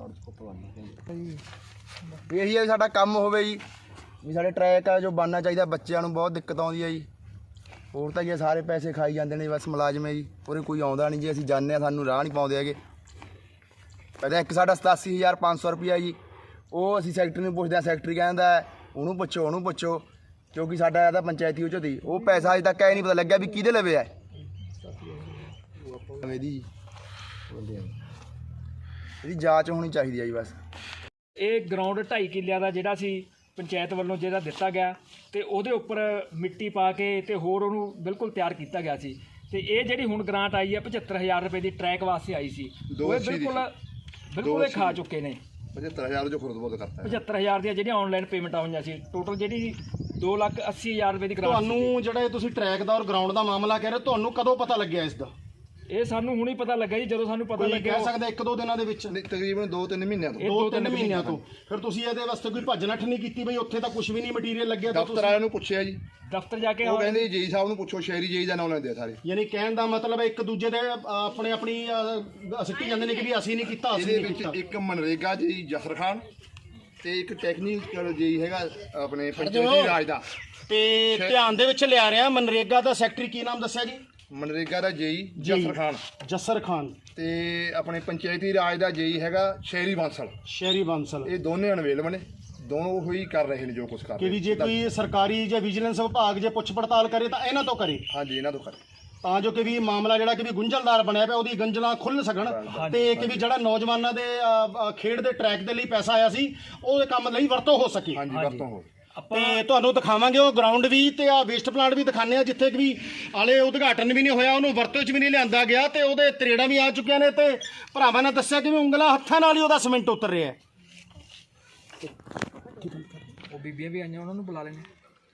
S4: ਇਹੀ ਹੈ ਸਾਡਾ ਕੰਮ ਹੋਵੇ ਜੀ, ਵੀ ਸਾਡੇ ਟਰੈਕ ਆ ਜੋ ਬਣਨਾ ਚਾਹੀਦਾ। ਬੱਚਿਆਂ ਨੂੰ ਬਹੁਤ ਦਿੱਕਤ ਆਉਂਦੀ ਹੈ ਜੀ, ਹੋਰ ਤਾਂ ਜੀ ਸਾਰੇ ਪੈਸੇ ਖਾਈ ਜਾਂਦੇ ਨੇ ਬਸ ਮੁਲਾਜ਼ਮ ਹੈ ਜੀ, ਉਰੇ ਕੋਈ ਆਉਂਦਾ ਨਹੀਂ ਜੀ। ਅਸੀਂ ਜਾਂਦੇ ਹਾਂ, ਸਾਨੂੰ ਰਾਹ ਨਹੀਂ ਪਾਉਂਦੇ ਹੈਗੇ। ਪਹਿਲਾਂ ਇੱਕ ਸਾਡਾ ਸਤਾਸੀ ਹਜ਼ਾਰ ਪੰਜ ਸੌ ਰੁਪਈਆ ਜੀ, ਉਹ ਅਸੀਂ ਸੈਕਟਰੀ ਨੂੰ ਪੁੱਛਦੇ ਹਾਂ, ਸੈਕਟਰੀ ਕਹਿੰਦਾ ਉਹਨੂੰ ਪੁੱਛੋ ਉਹਨੂੰ ਪੁੱਛੋ, ਕਿਉਂਕਿ ਸਾਡਾ ਇਹਦਾ ਪੰਚਾਇਤੀ ਉਹ 'ਚੋਂ ਦੀ ਉਹ ਪੈਸਾ ਅਜੇ ਤੱਕ ਇਹ ਨਹੀਂ ਪਤਾ ਲੱਗਿਆ ਵੀ ਕਿਹਦੇ ਲਵੇ ਹੈ ਇਹਦੀ ਇਹਦੀ ਜਾਂਚ ਹੋਣੀ ਚਾਹੀਦੀ ਹੈ ਜੀ ਬਸ।
S3: ਇਹ ਗਰਾਊਂਡ ਢਾਈ ਕਿੱਲਿਆਂ ਦਾ ਜਿਹੜਾ ਸੀ ਪੰਚਾਇਤ ਵੱਲੋਂ ਜਿਹੜਾ ਦਿੱਤਾ ਗਿਆ, ਤੇ ਉਹਦੇ ਉੱਪਰ ਮਿੱਟੀ ਪਾ ਕੇ ਤੇ ਹੋਰ ਉਹਨੂੰ ਬਿਲਕੁਲ ਤਿਆਰ ਕੀਤਾ ਗਿਆ ਸੀ। ਤੇ ਇਹ ਜਿਹੜੀ ਹੁਣ ਗ੍ਰਾਂਟ ਆਈ ਹੈ ਪਝੱਤਰ ਹਜ਼ਾਰ ਰੁਪਏ ਦੀ ਟਰੈਕ ਵਾਸਤੇ ਆਈ ਸੀ, ਉਹ ਇਹ ਬਿਲਕੁਲ ਬਿਲਕੁਲ ਇਹ ਖਾ ਚੁੱਕੇ ਨੇ।
S2: ਪਝੱਤਰ ਹਜ਼ਾਰ ਜੋ ਖੁਰਦ ਬੋਦ ਕਰਤਾ
S3: ਪਝੱਤਰ ਹਜ਼ਾਰ ਦੀਆਂ ਜਿਹੜੀਆਂ ਆਨਲਾਈਨ ਪੇਮੈਂਟਾਂ ਹੋਈਆਂ ਸੀ, ਟੋਟਲ ਜਿਹੜੀ ਦੋ ਲੱਖ ਅੱਸੀ ਹਜ਼ਾਰ ਰੁਪਏ ਦੀ ਗ੍ਰਾਂਟ।
S1: ਤੁਹਾਨੂੰ ਜਿਹੜਾ ਇਹ ਤੁਸੀਂ ਟਰੈਕ ਦਾ ਔਰ ਗਰਾਊਂਡ ਦਾ ਮਾਮਲਾ ਕਹਿ ਰਹੇ, ਤੁਹਾਨੂੰ ਕਦੋਂ ਪਤਾ ਲੱਗਿਆ ਇਸ ਦਾ?
S3: ਇਹ ਸਾਨੂੰ ਹੁਣੀ ਪਤਾ ਲੱਗਾ ਜੀ, ਜਦੋਂ ਸਾਨੂੰ ਪਤਾ
S1: ਕੋਈ
S3: ਲੱਗਿਆ।
S1: ਕਹਿ ਸਕਦਾ ਇੱਕ ਦੋ ਦਿਨਾਂ ਦੇ ਵਿੱਚ?
S2: ਤਕਰੀਬਨ ਦੋ ਤਿੰਨ ਮਹੀਨਿਆਂ ਤੋਂ।
S1: ਦੋ ਤਿੰਨ ਮਹੀਨਿਆਂ ਤੋਂ। ਫਿਰ ਤੁਸੀਂ ਇਹਦੇ ਵਾਸਤੇ ਕੋਈ ਭੱਜ ਨੱਠ ਨਹੀਂ ਕੀਤੀ ਬਈ ਉੱਥੇ ਤਾਂ ਕੁਝ ਵੀ ਨਹੀਂ ਮਟੀਰੀਅਲ ਲੱਗਿਆ? ਤਾਂ
S2: ਦਫ਼ਤਰ ਵਾਲਿਆਂ ਨੂੰ ਪੁੱਛਿਆ ਜੀ,
S3: ਦਫ਼ਤਰ ਜਾ ਕੇ
S2: ਉਹ ਕਹਿੰਦੇ ਜੀ ਸਾਹਿਬ ਨੂੰ ਪੁੱਛੋ, ਸ਼ਹਿਰੀ ਜੀ ਦਾ ਨਾਮ ਲੈਂਦੇ ਆ ਸਾਰੇ।
S1: ਯਾਨੀ ਕਹਿਣ ਦਾ ਮਤਲਬ ਇੱਕ ਦੂਜੇ ਦੇ ਅ, ਆਪਣੇ ਆਪਣੀ ਅ, ਸਿੱਟੀ ਜਾਂਦੇ ਨੇ ਕਿ ਵੀ ਅਸੀਂ ਨਹੀਂ ਕੀਤਾ, ਅਸੀਂ
S2: ਇਹਦੇ
S1: ਨਹੀਂ
S2: ਵਿੱਚ
S1: ਕੀਤਾ।
S2: ਇੱਕ ਮਨਰੇਗਾ ਜੀ ਜਸਰ ਖਾਨ ਤੇ ਇੱਕ ਟੈਕਨੀਕਲ ਜੀ ਹੈਗਾ ਆਪਣੇ ਪੰਚਾਇਤੀ ਰਾਜ ਦਾ।
S1: ਤੇ ਧਿਆਨ ਦੇ ਵਿੱਚ ਲਿਆ ਰਿਹਾ ਮਨਰੇਗਾ ਦਾ ਸੈਕਟਰੀ ਕੀ ਨਾਮ ਦੱਸਿਆ ਜੀ?
S2: ਮਨਰੇਗਾ ਦਾ ਜੇਈ ਜਸਰ ਖਾਨ
S1: ਜਸਰ ਖਾਨ
S2: ਤੇ ਆਪਣੇ ਪੰਚਾਇਤੀ ਰਾਜ ਦਾ ਜੇਈ ਹੈਗਾ ਸ਼ਹਿਰੀ ਬਾਂਸਲ।
S1: ਸ਼ਹਿਰੀ ਬਾਂਸਲ।
S2: ਇਹ ਦੋਨੇ ਅਨਵੇਲਬ ਨੇ, ਦੋਨੋਂ ਉਹੀ ਕਰ ਰਹੇ ਨੇ ਜੋ ਕੁਝ ਕਰ
S1: ਕਿ
S2: ਰਹੇ
S1: ਵੀ ਜੇ ਕੋਈ ਸਰਕਾਰੀ ਜਾਂ ਵਿਜੀਲੈਂਸ ਵਿਭਾਗ ਜੇ ਪੁੱਛ ਪੜਤਾਲ ਕਰੇ ਤਾਂ ਇਹਨਾਂ ਤੋਂ ਕਰੇ,
S2: ਹਾਂਜੀ ਇਹਨਾਂ ਤੋਂ ਕਰੇ,
S1: ਤਾਂ ਜੋ ਕਿ ਵੀ ਮਾਮਲਾ ਜਿਹੜਾ ਕਿ ਵੀ ਗੁੰਝਲਦਾਰ ਬਣਿਆ ਪਿਆ ਉਹਦੀ ਗੰਜਲਾਂ ਖੁੱਲ ਸਕਣ, ਤੇ ਕਿ ਵੀ ਜਿਹੜਾ ਨੌਜਵਾਨਾਂ ਦੇ ਅ, ਅ, ਖੇਡ ਦੇ ਟਰੈਕ ਦੇ ਲਈ ਪੈਸਾ ਆਇਆ ਸੀ ਉਹਦੇ ਕੰਮ ਲਈ ਵਰਤੋਂ ਹੋ ਸਕੇ।
S2: ਹਾਂਜੀ ਵਰਤੋਂ ਹੋ।
S1: ਤੇ ਤੁਹਾਨੂੰ ਦਿਖਾਵਾਂਗੇ ਉਹ ਗਰਾਊਂਡ ਵੀ ਤੇ ਆ ਵੇਸਟ ਪਲਾਂਟ ਵੀ ਦਿਖਾਣੇ ਆ, ਜਿੱਥੇ ਕਿ ਵੀ ਹਾਲੇ ਉਦਘਾਟਨ ਵੀ ਨਹੀਂ ਹੋਇਆ, ਉਹਨੂੰ ਵਰਤੋਂ 'ਚ ਵੀ ਨਹੀਂ ਲਿਆਂਦਾ ਗਿਆ ਤੇ ਉਹਦੇ ਤਰੇੜਾਂ ਵੀ ਆ ਚੁੱਕੀਆਂ ਨੇ। ਤੇ ਭਰਾਵਾਂ ਨੇ ਦੱਸਿਆ ਕਿ ਵੀ ਉਂਗਲਾਂ ਹੱਥਾਂ ਨਾਲ ਹੀ ਉਹਦਾ ਸੀਮੈਂਟ ਉਤਰ ਰਿਹਾ ਹੈ।
S3: ਉਹ ਬੀਬੀਆਂ ਵੀ ਆਈਆਂ, ਉਹਨਾਂ ਨੂੰ ਬੁਲਾ ਲੈਣੇ।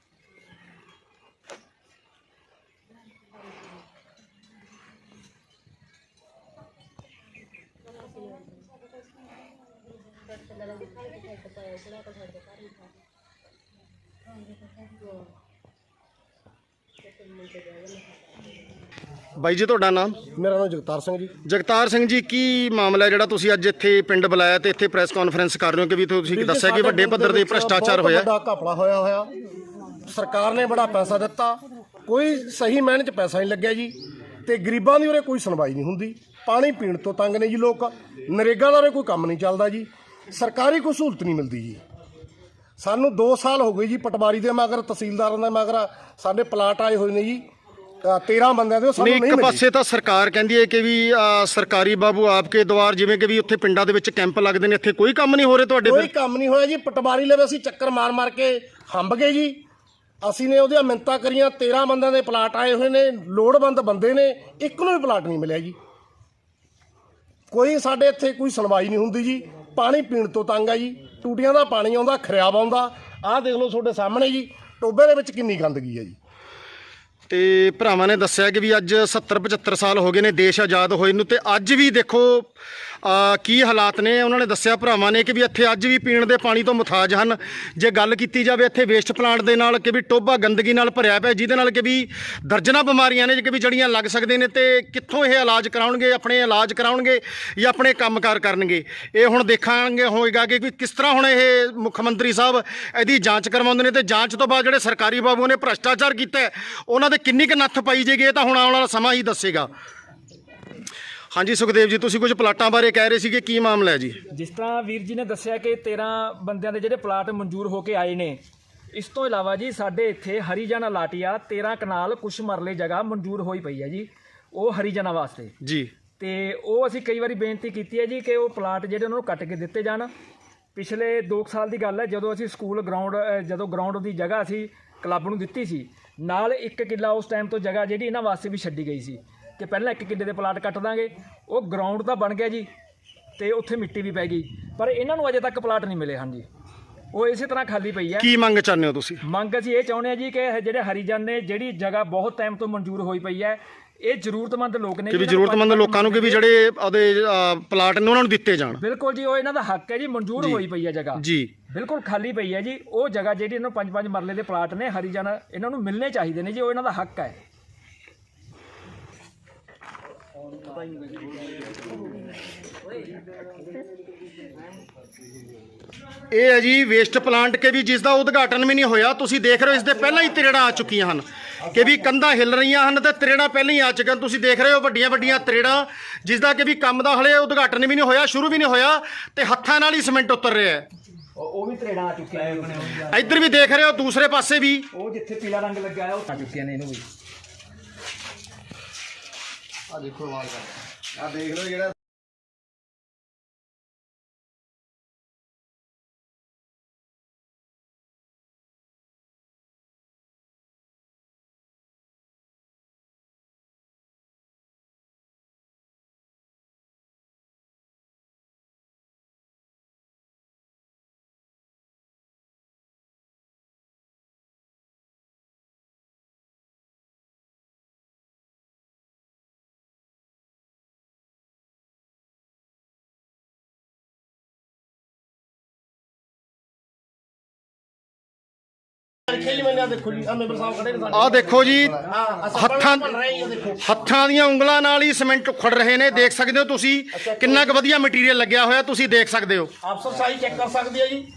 S1: ਬਾਈ ਜੀ ਤੁਹਾਡਾ ਨਾਮ?
S5: ਮੇਰਾ ਨਾਮ ਜਗਤਾਰ ਸਿੰਘ ਜੀ।
S1: ਜਗਤਾਰ ਸਿੰਘ ਜੀ, ਕੀ ਮਾਮਲਾ ਜਿਹੜਾ ਤੁਸੀਂ ਅੱਜ ਇੱਥੇ ਪਿੰਡ ਬੁਲਾਇਆ ਤੇ ਇੱਥੇ ਪ੍ਰੈਸ ਕਾਨਫਰੰਸ ਕਰ ਰਹੇ ਹੋ ਕਿ ਵੀ ਤੁਸੀਂ ਦੱਸਿਆ ਕਿ ਵੱਡੇ ਪੱਧਰ ਦੇ ਭ੍ਰਿਸ਼ਟਾਚਾਰ ਹੋਇਆ?
S5: ਬਹੁਤ ਵੱਡਾ ਘਪਲਾ ਹੋਇਆ ਹੋਇਆ। ਸਰਕਾਰ ਨੇ ਬੜਾ ਪੈਸਾ ਦਿੱਤਾ, ਕੋਈ ਸਹੀ ਮਾਇਨੇ 'ਚ ਪੈਸਾ ਨਹੀਂ ਲੱਗਿਆ ਜੀ, ਤੇ ਗਰੀਬਾਂ ਦੀ ਉਰੇ ਕੋਈ ਸੁਣਵਾਈ ਨਹੀਂ ਹੁੰਦੀ। ਪਾਣੀ ਪੀਣ ਤੋਂ ਤੰਗ ਨੇ ਜੀ ਲੋਕ, ਨਰੇਗਾ ਦਾ ਉਰੇ ਕੋਈ ਕੰਮ ਨਹੀਂ ਚੱਲਦਾ ਜੀ, ਸਰਕਾਰੀ ਕੋਈ ਸਹੂਲਤ ਨਹੀਂ ਮਿਲਦੀ ਜੀ। ਸਾਨੂੰ ਦੋ ਸਾਲ ਹੋ ਗਏ ਜੀ ਪਟਵਾਰੀ ਦੇ ਮਗਰ, ਤਹਿਸੀਲਦਾਰਾਂ ਦੇ ਮਗਰ ਸਾਡੇ ਪਲਾਟ ਆਏ ਹੋਏ ਨੇ ਜੀ ਤੇਰਾਂ ਬੰਦਿਆਂ ਦੇ, ਉਹ ਸਾਨੂੰ
S1: ਨਹੀਂ।
S5: ਨਹੀਂ
S1: ਇੱਕ
S5: ਮਿਲੇ।
S1: ਪਾਸੇ ਤਾਂ ਸਰਕਾਰ ਕਹਿੰਦੀ ਹੈ ਕਿ ਵੀ ਅ, ਸਰਕਾਰੀ ਬਾਬੂ ਆਪਕੇ ਦੁਆਰ, ਜਿਵੇਂ ਕਿ ਵੀ ਉੱਥੇ ਪਿੰਡਾਂ ਦੇ ਵਿੱਚ ਕੈਂਪ ਲੱਗਦੇ ਨੇ, ਇੱਥੇ ਕੋਈ ਕੰਮ ਨਹੀਂ ਹੋ ਰਿਹਾ ਤੁਹਾਡੇ?
S5: ਕੋਈ
S1: ਫਿਰ
S5: ਕੰਮ ਨਹੀਂ ਹੋਇਆ ਜੀ। ਪਟਵਾਰੀ ਲਵੇ ਅਸੀਂ ਚੱਕਰ ਮਾਰ ਮਾਰ ਕੇ ਹੰਬ ਗਏ ਜੀ। ਅਸੀਂ ਨੇ ਉਹਦੀਆਂ ਮਿੰਨਤਾਂ ਕਰੀਆਂ, ਤੇਰਾਂ ਬੰਦਿਆਂ ਦੇ ਪਲਾਟ ਆਏ ਹੋਏ ਨੇ, ਲੋੜਵੰਦ ਬੰਦੇ ਨੇ, ਇੱਕ ਨੂੰ ਵੀ ਪਲਾਟ ਨਹੀਂ ਮਿਲਿਆ ਜੀ। ਕੋਈ ਸਾਡੇ ਇੱਥੇ ਕੋਈ ਸੁਣਵਾਈ ਨਹੀਂ ਹੁੰਦੀ ਜੀ। ਪਾਣੀ ਪੀਣ ਤੋਂ ਤੰਗ ਆ ਜੀ, ਟੂਟੀਆਂ ਦਾ ਪਾਣੀ ਆਉਂਦਾ, ਖਰਿਆਬ ਆਉਂਦਾ। ਆਹ ਦੇਖ ਲਓ ਤੁਹਾਡੇ ਸਾਹਮਣੇ ਜੀ, ਟੋਬੇ ਦੇ ਵਿੱਚ ਕਿੰਨੀ ਗੰਦਗੀ ਹੈ ਜੀ।
S1: ਤੇ ਭਰਾਵਾਂ ਨੇ ਦੱਸਿਆ ਕਿ ਵੀ ਅੱਜ ਸੱਤਰ ਪਝੱਤਰ ਸਾਲ ਹੋ ਗਏ ਨੇ ਦੇਸ਼ ਆਜ਼ਾਦ ਹੋਏ ਨੂੰ, ਤੇ ਅੱਜ ਵੀ ਦੇਖੋ ਅ, ਕੀ ਹਾਲਾਤ ਨੇ। ਉਹਨਾਂ ਨੇ ਦੱਸਿਆ ਭਰਾਵਾਂ ਨੇ ਕਿ ਵੀ ਇੱਥੇ ਅੱਜ ਵੀ ਪੀਣ ਦੇ ਪਾਣੀ ਤੋਂ ਮੁਤਾਜ ਹਨ। ਜੇ ਗੱਲ ਕੀਤੀ ਜਾਵੇ ਇੱਥੇ ਵੇਸਟ ਪਲਾਂਟ ਦੇ ਨਾਲ ਕਿ ਵੀ ਟੋਭਾ ਗੰਦਗੀ ਨਾਲ ਭਰਿਆ ਪਿਆ, ਜਿਹਦੇ ਨਾਲ ਕਿ ਵੀ ਦਰਜਨਾਂ ਬਿਮਾਰੀਆਂ ਨੇ ਕਿ ਵੀ ਜਿਹੜੀਆਂ ਲੱਗ ਸਕਦੇ ਨੇ, ਤੇ ਕਿੱਥੋਂ ਇਹ ਇਲਾਜ ਕਰਾਉਣਗੇ, ਆਪਣੇ ਇਲਾਜ ਕਰਾਉਣਗੇ ਜਾਂ ਆਪਣੇ ਕੰਮਕਾਰ ਕਰਨਗੇ? ਇਹ ਹੁਣ ਦੇਖਾਂਗੇ ਹੋਏਗਾ ਕਿ ਕਿਸ ਤਰ੍ਹਾਂ ਹੁਣ ਇਹ ਮੁੱਖ ਮੰਤਰੀ ਸਾਹਿਬ ਇਹਦੀ ਜਾਂਚ ਕਰਵਾਉਂਦੇ ਨੇ, ਤੇ ਜਾਂਚ ਤੋਂ ਬਾਅਦ ਜਿਹੜੇ ਸਰਕਾਰੀ ਬਾਬੂ ਨੇ ਭ੍ਰਿਸ਼ਟਾਚਾਰ ਕੀਤਾ ਉਹਨਾਂ ਦੇ ਕਿੰਨੀ ਕੁ ਨੱਥ ਪਾਈ ਜਾਏਗੀ, ਇਹ ਤਾਂ ਹੁਣ ਆਉਣ ਵਾਲਾ ਸਮਾਂ ਹੀ ਦੱਸੇਗਾ। ਹਾਂਜੀ ਸੁਖਦੇਵ ਜੀ, ਤੁਸੀਂ ਕੁਝ ਪਲਾਟਾਂ ਬਾਰੇ ਕਹਿ ਰਹੇ ਸੀਗੇ, ਕੀ ਮਾਮਲਾ ਹੈ ਜੀ?
S3: ਜਿਸ ਤਰ੍ਹਾਂ ਵੀਰ ਜੀ ਨੇ ਦੱਸਿਆ ਕਿ ਤੇਰਾਂ ਬੰਦਿਆਂ ਦੇ ਜਿਹੜੇ ਪਲਾਟ ਮਨਜ਼ੂਰ ਹੋ ਕੇ ਆਏ ਨੇ, ਇਸ ਤੋਂ ਇਲਾਵਾ ਜੀ ਸਾਡੇ ਇੱਥੇ ਹਰੀਜਨ ਅਲਾਟੀਆ ਤੇਰਾਂ ਕਨਾਲ ਕੁਛ ਮਰਲੇ ਜਗ੍ਹਾ ਮਨਜ਼ੂਰ ਹੋਈ ਪਈ ਹੈ ਜੀ, ਉਹ ਹਰੀਜਨਾਂ ਵਾਸਤੇ
S1: ਜੀ।
S3: ਤੇ ਉਹ ਅਸੀਂ ਕਈ ਵਾਰੀ ਬੇਨਤੀ ਕੀਤੀ ਹੈ ਜੀ ਕਿ ਉਹ ਪਲਾਟ ਜਿਹੜੇ ਉਹਨਾਂ ਨੂੰ ਕੱਟ ਕੇ ਦਿੱਤੇ ਜਾਣ। ਪਿਛਲੇ ਦੋ ਕੁ ਸਾਲ ਦੀ ਗੱਲ ਹੈ, ਜਦੋਂ ਅਸੀਂ ਸਕੂਲ ਗਰਾਊਂਡ ਜਦੋਂ ਗਰਾਊਂਡ ਦੀ ਜਗ੍ਹਾ ਅਸੀਂ ਕਲੱਬ ਨੂੰ ਦਿੱਤੀ ਸੀ, ਨਾਲ ਇੱਕ ਕਿੱਲਾ ਉਸ ਟਾਈਮ ਤੋਂ ਜਗ੍ਹਾ ਜਿਹੜੀ ਇਹਨਾਂ ਵਾਸਤੇ ਵੀ ਛੱਡੀ ਗਈ ਸੀ ਕਿ ਪਹਿਲਾਂ ਇੱਕ ਕਿੱਲੇ ਦੇ ਪਲਾਟ ਕੱਟ ਦਾਂਗੇ। ਉਹ ਗਰਾਊਂਡ ਤਾਂ ਬਣ ਗਿਆ ਜੀ ਤੇ ਉੱਥੇ ਮਿੱਟੀ ਵੀ ਪੈ ਗਈ, ਪਰ ਇਹਨਾਂ ਨੂੰ ਅਜੇ ਤੱਕ ਪਲਾਟ ਨਹੀਂ ਮਿਲੇ ਹਨ ਜੀ, ਉਹ ਇਸੇ ਤਰ੍ਹਾਂ ਖਾਲੀ ਪਈ ਹੈ।
S1: ਕੀ ਮੰਗ ਚਾਹੁੰਦੇ ਹੋ ਤੁਸੀਂ?
S3: ਮੰਗ ਅਸੀਂ ਇਹ ਚਾਹੁੰਦੇ ਹਾਂ ਜੀ ਕਿ ਜਿਹੜੇ ਹਰੀਜਨ ਨੇ ਜਿਹੜੀ ਜਗ੍ਹਾ ਬਹੁਤ ਟਾਈਮ ਤੋਂ ਮਨਜ਼ੂਰ ਹੋਈ ਪਈ ਹੈ, ਇਹ ਜ਼ਰੂਰਤਮੰਦ ਲੋਕ ਨੇ
S1: ਕਿ ਵੀ ਜ਼ਰੂਰਤਮੰਦ ਲੋਕਾਂ ਨੂੰ ਕਿ ਵੀ ਜਿਹੜੇ ਉਹਦੇ ਪਲਾਟ ਨੇ ਉਹਨਾਂ ਨੂੰ ਦਿੱਤੇ ਜਾਣ।
S3: ਬਿਲਕੁਲ ਜੀ, ਉਹ ਇਹਨਾਂ ਦਾ ਹੱਕ ਹੈ ਜੀ, ਮਨਜ਼ੂਰ ਹੋਈ ਪਈ ਹੈ ਜਗ੍ਹਾ
S1: ਜੀ,
S3: ਬਿਲਕੁਲ ਖਾਲੀ ਪਈ ਹੈ ਜੀ। ਉਹ ਜਗ੍ਹਾ ਜਿਹੜੀ ਇਹਨਾਂ ਨੂੰ ਪੰਜ ਪੰਜ ਮਰਲੇ ਦੇ ਪਲਾਟ ਨੇ ਹਰੀਜਨ ਇਹਨਾਂ ਨੂੰ ਮਿਲਣੇ ਚਾਹੀਦੇ ਨੇ ਜੀ, ਉਹ ਇਹਨਾਂ ਦਾ ਹੱਕ ਹੈ।
S1: ਇਹ ਹੈ ਜੀ ਵੇਸਟ ਪਲਾਂਟ ਕੇ ਵੀ ਜਿਸ ਦਾ ਉਦਘਾਟਨ ਵੀ ਨਹੀਂ ਹੋਇਆ। ਤੁਸੀਂ ਦੇਖ ਰਹੇ ਹੋ ਇਸ ਦੇ ਪਹਿਲਾਂ ਹੀ ਤਰੇੜਾਂ ਆ ਚੁੱਕੀਆਂ ਹਨ ਕਿ ਵੀ ਕੰਧਾਂ ਹਿੱਲ ਰਹੀਆਂ ਹਨ ਤੇ ਤਰੇੜਾਂ ਪਹਿਲਾਂ ਹੀ ਆ ਚੁੱਕੀਆਂ। ਤੁਸੀਂ ਦੇਖ ਰਹੇ ਹੋ ਵੱਡੀਆਂ ਵੱਡੀਆਂ ਤਰੇੜਾਂ, ਜਿਸ ਦਾ ਕਿ ਵੀ ਕੰਮ ਦਾ ਹਲੇ ਉਦਘਾਟਨ ਵੀ ਨਹੀਂ ਹੋਇਆ, ਸ਼ੁਰੂ ਵੀ ਨਹੀਂ ਹੋਇਆ ਤੇ ਹੱਥਾਂ ਨਾਲ ਹੀ ਸੀਮੈਂਟ ਉਤਰ ਰਿਹਾ ਹੈ।
S3: ਉਹ ਵੀ ਤਰੇੜਾਂ ਆ ਚੁੱਕੀਆਂ ਨੇ,
S1: ਇੱਧਰ ਵੀ ਦੇਖ ਰਹੇ ਹੋ, ਦੂਸਰੇ ਪਾਸੇ ਵੀ
S3: ਉਹ ਜਿੱਥੇ ਪੀਲਾ ਰੰਗ ਲੱਗਾ ਹੈ ਉਹ ਆ ਚੁੱਕੀਆਂ ਨੇ ਇਹਨੂੰ ਵੀ।
S4: ਆ ਦੇਖੋ ਵਾਲ ਕਰ ਆ ਦੇਖ ਲਓ ਜਿਹੜਾ
S1: ਆਹ ਦੇਖੋ ਜੀ, ਹੱਥਾਂ ਹੱਥਾਂ ਦੀਆਂ ਉਂਗਲਾਂ ਨਾਲ ਹੀ ਸੀਮੈਂਟ ਉਖੜ ਰਹੇ ਨੇ। ਦੇਖ ਸਕਦੇ ਹੋ ਤੁਸੀਂ ਕਿੰਨਾ ਕੁ ਵਧੀਆ ਮਟੀਰੀਅਲ ਲੱਗਿਆ ਹੋਇਆ, ਤੁਸੀਂ ਦੇਖ ਸਕਦੇ ਹੋ।
S5: ਅਫਸਰ ਸਾਈ ਚੈੱਕ ਕਰ ਸਕਦੇ ਆ ਜੀ।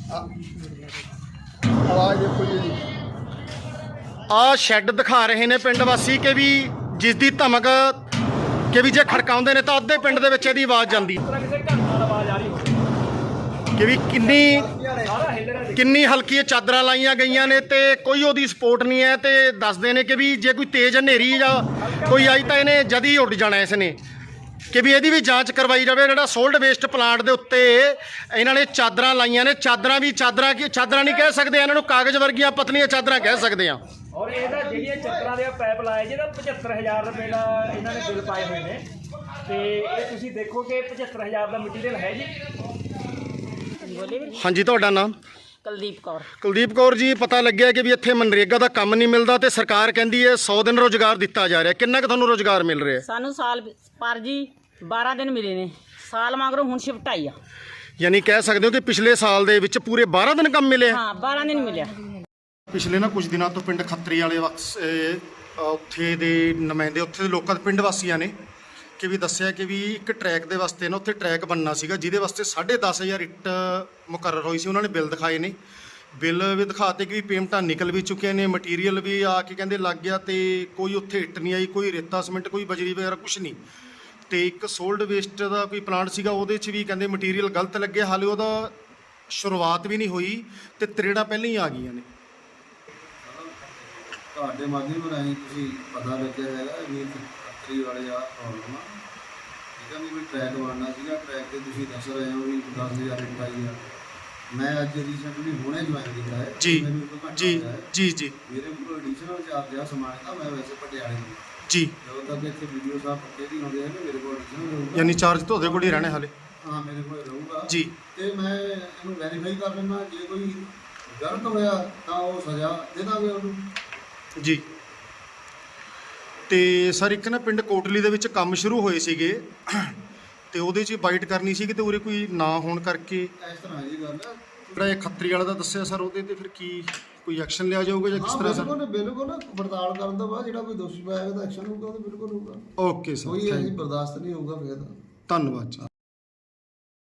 S2: ਆਵਾਜ਼ ਦੇਖੋ ਜੀ।
S1: ਆਹ ਸ਼ੈੱਡ ਦਿਖਾ ਰਹੇ ਨੇ ਪਿੰਡ ਵਾਸੀ ਕਿ ਵੀ ਜਿਸ ਦੀ ਧਮਕ ਕਿ ਵੀ ਜੇ ਖੜਕਾਉਂਦੇ ਨੇ ਤਾਂ ਅੱਧੇ ਪਿੰਡ ਦੇ ਵਿੱਚ ਇਹਦੀ ਆਵਾਜ਼ ਜਾਂਦੀ
S3: ਕਿਸੇ ਘਰ ਨਾਲ ਆਵਾਜ਼ ਆ ਰਹੀ ਹੋਵੇ
S1: ਕਿ ਵੀ ਕਿੰਨੀ ਕਿੰਨੀ ਹਲਕੀ ਚਾਦਰਾਂ ਲਾਈਆਂ ਗਈਆਂ ਨੇ ਤੇ ਕੋਈ ਉਹਦੀ ਸਪੋਰਟ ਨਹੀਂ ਹੈ। ਤੇ ਦੱਸਦੇ ਨੇ ਕਿ ਵੀ ਜੇ ਕੋਈ ਤੇਜ਼ ਹਨੇਰੀ ਜਾਂ ਕੋਈ ਆਈ ਤਾਂ ਇਹਨੇ ਜਦ ਹੀ ਉੱਡ ਜਾਣਾ ਇਸ ਨੇ, ਕਿ ਵੀ ਇਹਦੀ ਵੀ ਜਾਂਚ ਕਰਵਾਈ ਜਾਵੇ। ਜਿਹੜਾ ਸੋਲਡ ਵੇਸਟ ਪਲਾਂਟ ਦੇ ਉੱਤੇ ਇਹਨਾਂ ਨੇ ਚਾਦਰਾਂ ਲਾਈਆਂ ਨੇ, ਚਾਦਰਾਂ ਵੀ ਚਾਦਰਾਂ ਕੀ ਚਾਦਰਾਂ ਨਹੀਂ ਕਹਿ ਸਕਦੇ, ਇਹਨਾਂ ਨੂੰ ਕਾਗਜ਼ ਵਰਗੀਆਂ ਪਤਲੀਆਂ ਚਾਦਰਾਂ ਕਹਿ ਸਕਦੇ ਆ।
S3: ਔਰ ਇਹਦਾ ਜਿਹੜੀਆਂ ਚੱਕਰਾਂ ਦੇ ਪਾਈਪ ਲਾਏ ਜਿਹਦਾ ਪਝੱਤਰ ਹਜ਼ਾਰ ਰੁਪਏ ਦਾ ਇਹਨਾਂ ਨੇ ਬਿੱਲ ਪਾਏ ਹੋਏ ਨੇ, ਤੇ ਇਹ ਤੁਸੀਂ ਦੇਖੋ ਕਿ ਪਝੱਤਰ ਹਜ਼ਾਰ ਦਾ ਮਟੀਰੀਅਲ ਹੈ ਜੀ।
S1: ਹਾਂਜੀ, ਤੁਹਾਡਾ ਨਾਮ?
S6: ਕੁਲਦੀਪ ਕੌਰ।
S1: ਕੁਲਦੀਪ ਕੌਰ ਜੀ, ਪਤਾ ਲੱਗਿਆ ਕਿ ਵੀ ਇੱਥੇ ਮਨਰੇਗਾ ਦਾ ਕੰਮ ਨਹੀਂ ਮਿਲਦਾ ਤੇ ਸਰਕਾਰ ਕਹਿੰਦੀ ਹੈ ਸੌ ਦਿਨ ਰੋਜ਼ਗਾਰ ਦਿੱਤਾ ਜਾ ਰਿਹਾ। ਕਿੰਨਾ ਕੁ ਤੁਹਾਨੂੰ ਰੋਜ਼ਗਾਰ ਮਿਲ ਰਿਹਾ?
S6: ਸਾਨੂੰ ਸਾਲ ਪਰ ਜੀ ਬਾਰਾਂ ਦਿਨ ਮਿਲੇ ਨੇ, ਸਾਲ ਮਗਰੋਂ ਹੁਣ ਸ਼ਿਫਟ ਆਈ ਆ।
S1: ਯਾਨੀ ਕਹਿ ਸਕਦੇ ਹੋ ਕਿ ਪਿਛਲੇ ਸਾਲ ਦੇ ਵਿੱਚ ਪੂਰੇ ਬਾਰਾਂ ਦਿਨ ਕੰਮ ਮਿਲਿਆ।
S6: ਹਾਂ, ਬਾਰਾਂ ਦਿਨ ਮਿਲਿਆ।
S1: ਪਿਛਲੇ ਨਾ ਕੁਝ ਦਿਨਾਂ ਤੋਂ ਪਿੰਡ ਖੱਤਰੀ ਵਾਲੇ ਵਕਤ ਉੱਥੇ ਦੇ ਨੁਮਾਇੰਦੇ, ਉੱਥੇ ਦੇ ਲੋਕਾਂ ਦੇ ਪਿੰਡ ਵਾਸੀਆਂ ਨੇ ਕਿ ਵੀ ਦੱਸਿਆ ਕਿ ਵੀ ਇੱਕ ਟਰੈਕ ਦੇ ਵਾਸਤੇ ਨਾ ਉੱਥੇ ਟਰੈਕ ਬਣਨਾ ਸੀਗਾ, ਜਿਹਦੇ ਵਾਸਤੇ ਸਾਢੇ ਦਸ ਹਜ਼ਾਰ ਇੱਟ ਮੁਕਰਰ ਹੋਈ ਸੀ। ਉਹਨਾਂ ਨੇ ਬਿੱਲ ਦਿਖਾਏ ਨੇ, ਬਿੱਲ ਵੀ ਦਿਖਾਤੇ ਕਿ ਵੀ ਪੇਮੈਂਟਾਂ ਨਿਕਲ ਵੀ ਚੁੱਕੀਆਂ ਨੇ, ਮਟੀਰੀਅਲ ਵੀ ਆ ਕੇ ਕਹਿੰਦੇ ਲੱਗ ਗਿਆ ਤੇ ਕੋਈ ਉੱਥੇ ਇੱਟ ਨਹੀਂ ਆਈ, ਕੋਈ ਰੇਤਾ ਸੀਮੈਂਟ, ਕੋਈ ਬਜਰੀ ਵਗੈਰਾ ਕੁਝ ਨਹੀਂ। ਤੇ ਇੱਕ ਸੋਲਡ ਵੇਸਟ ਦਾ ਕੋਈ ਪਲਾਂਟ ਸੀਗਾ, ਉਹਦੇ 'ਚ ਵੀ ਕਹਿੰਦੇ ਮਟੀਰੀਅਲ ਗਲਤ ਲੱਗਿਆ, ਹਾਲੇ ਉਹਦਾ ਸ਼ੁਰੂਆਤ ਵੀ ਨਹੀਂ ਹੋਈ ਤੇ ਤਰੇੜਾਂ ਪਹਿਲਾਂ ਹੀ ਆ ਗਈਆਂ ਨੇ।
S7: ਤੁਹਾਡੇ ਮਾਧਿਅਮ ਰਾਹੀਂ ਤੁਸੀਂ ਪਤਾ ਲੱਗਿਆ ਹੈਗਾ ਵੀ ਖੱਤਰੀ ਵਾਲੇ ਆ ਪ੍ਰੋਬਲਮ ਆ, ਠੀਕ ਆ ਵੀ ਟਰੈਕ ਬਣਨਾ ਸੀਗਾ, ਟਰੈਕ ਤੇ ਤੁਸੀਂ ਦੱਸ ਰਹੇ ਹੋ ਵੀ ਦਸ ਹਜ਼ਾਰ ਇੱਟ ਆਈ ਆ। ਮੈਂ ਅੱਜ ਰੀਸੈਂਟਲੀ ਹੁਣੇ ਜੁਆਇਨ ਕੀਤਾ ਹੈ
S1: ਜੀ ਜੀ ਜੀ ਜੀ
S7: ਮੇਰੇ ਕੋਲ ਐਡੀਸ਼ਨਲ ਚਾਰਜ ਆ ਸਮਾਨ ਦਾ। ਮੈਂ ਵੈਸੇ ਪਟਿਆਲੇ ਤੋਂ
S1: ਜੀ,
S7: ਜਦੋਂ ਤੱਕ ਇੱਥੇ ਵੀਡੀਓ ਸਾਹਿਬ ਪੱਕੇ ਨਹੀਂ ਹੁੰਦੇ ਹੈਗੇ ਮੇਰੇ ਕੋਲ ਐਡੀਸ਼ਨਲ ਰਹੂਗਾ।
S1: ਯਾਨੀ ਚਾਰਜ ਤੁਹਾਡੇ ਕੋਲ ਹੀ ਰਹਿਣੇ ਹਾਲੇ?
S7: ਹਾਂ, ਮੇਰੇ ਕੋਲ ਰਹੂਗਾ
S1: ਜੀ।
S7: ਤੇ ਮੈਂ ਇਹਨੂੰ ਵੈਰੀਫਾਈ ਕਰ ਲੈਣਾ, ਜੇ ਕੋਈ ਗਲਤ ਹੋਇਆ ਤਾਂ ਉਹ ਸਜ਼ਾ ਦੇ ਦਾਂਗੇ ਉਹਨੂੰ
S1: ਜੀ। ਤੇ ਸਰ ਇੱਕ ਨਾ ਪਿੰਡ ਕੋਟਲੀ ਦੇ ਵਿੱਚ ਕੰਮ ਸ਼ੁਰੂ ਹੋਏ ਸੀਗੇ ਤੇ ਉਹਦੇ 'ਚ ਬਾਈਟ ਕਰਨੀ ਸੀ ਤੇ ਉਰੇ ਕੋਈ ਨਾ ਹੋਣ ਕਰਕੇ
S7: ਇਸ ਤਰ੍ਹਾਂ ਦੀ ਗੱਲ ਹੈ।
S1: ਜਿਹੜਾ ਇਹ ਖੱਤਰੀ ਵਾਲਾ ਦਾ ਦੱਸਿਆ ਸਰ, ਉਹਦੇ ਤੇ ਫਿਰ ਕੀ ਕੋਈ ਐਕਸ਼ਨ ਲਿਆ ਜਾਊਗਾ ਜਾਂ ਕਿਸ ਤਰ੍ਹਾਂ ਸਰ?
S7: ਬਿਲਕੁਲ ਬਿਲਕੁਲ ਪੜਤਾਲ ਕਰਨ ਤੋਂ ਬਾਅਦ ਜਿਹੜਾ ਕੋਈ ਦੋਸ਼ੀ ਪਾਇਆ ਤਾਂ ਐਕਸ਼ਨ ਹੋਊਗਾ, ਉਹ ਬਿਲਕੁਲ ਹੋਊਗਾ।
S1: ਓਕੇ ਸਰ,
S7: ਕੋਈ ਅਸੀਂ ਬਰਦਾਸ਼ਤ ਨਹੀਂ ਹੋਊਗਾ ਫਿਰ।
S1: ਧੰਨਵਾਦ ਜੀ।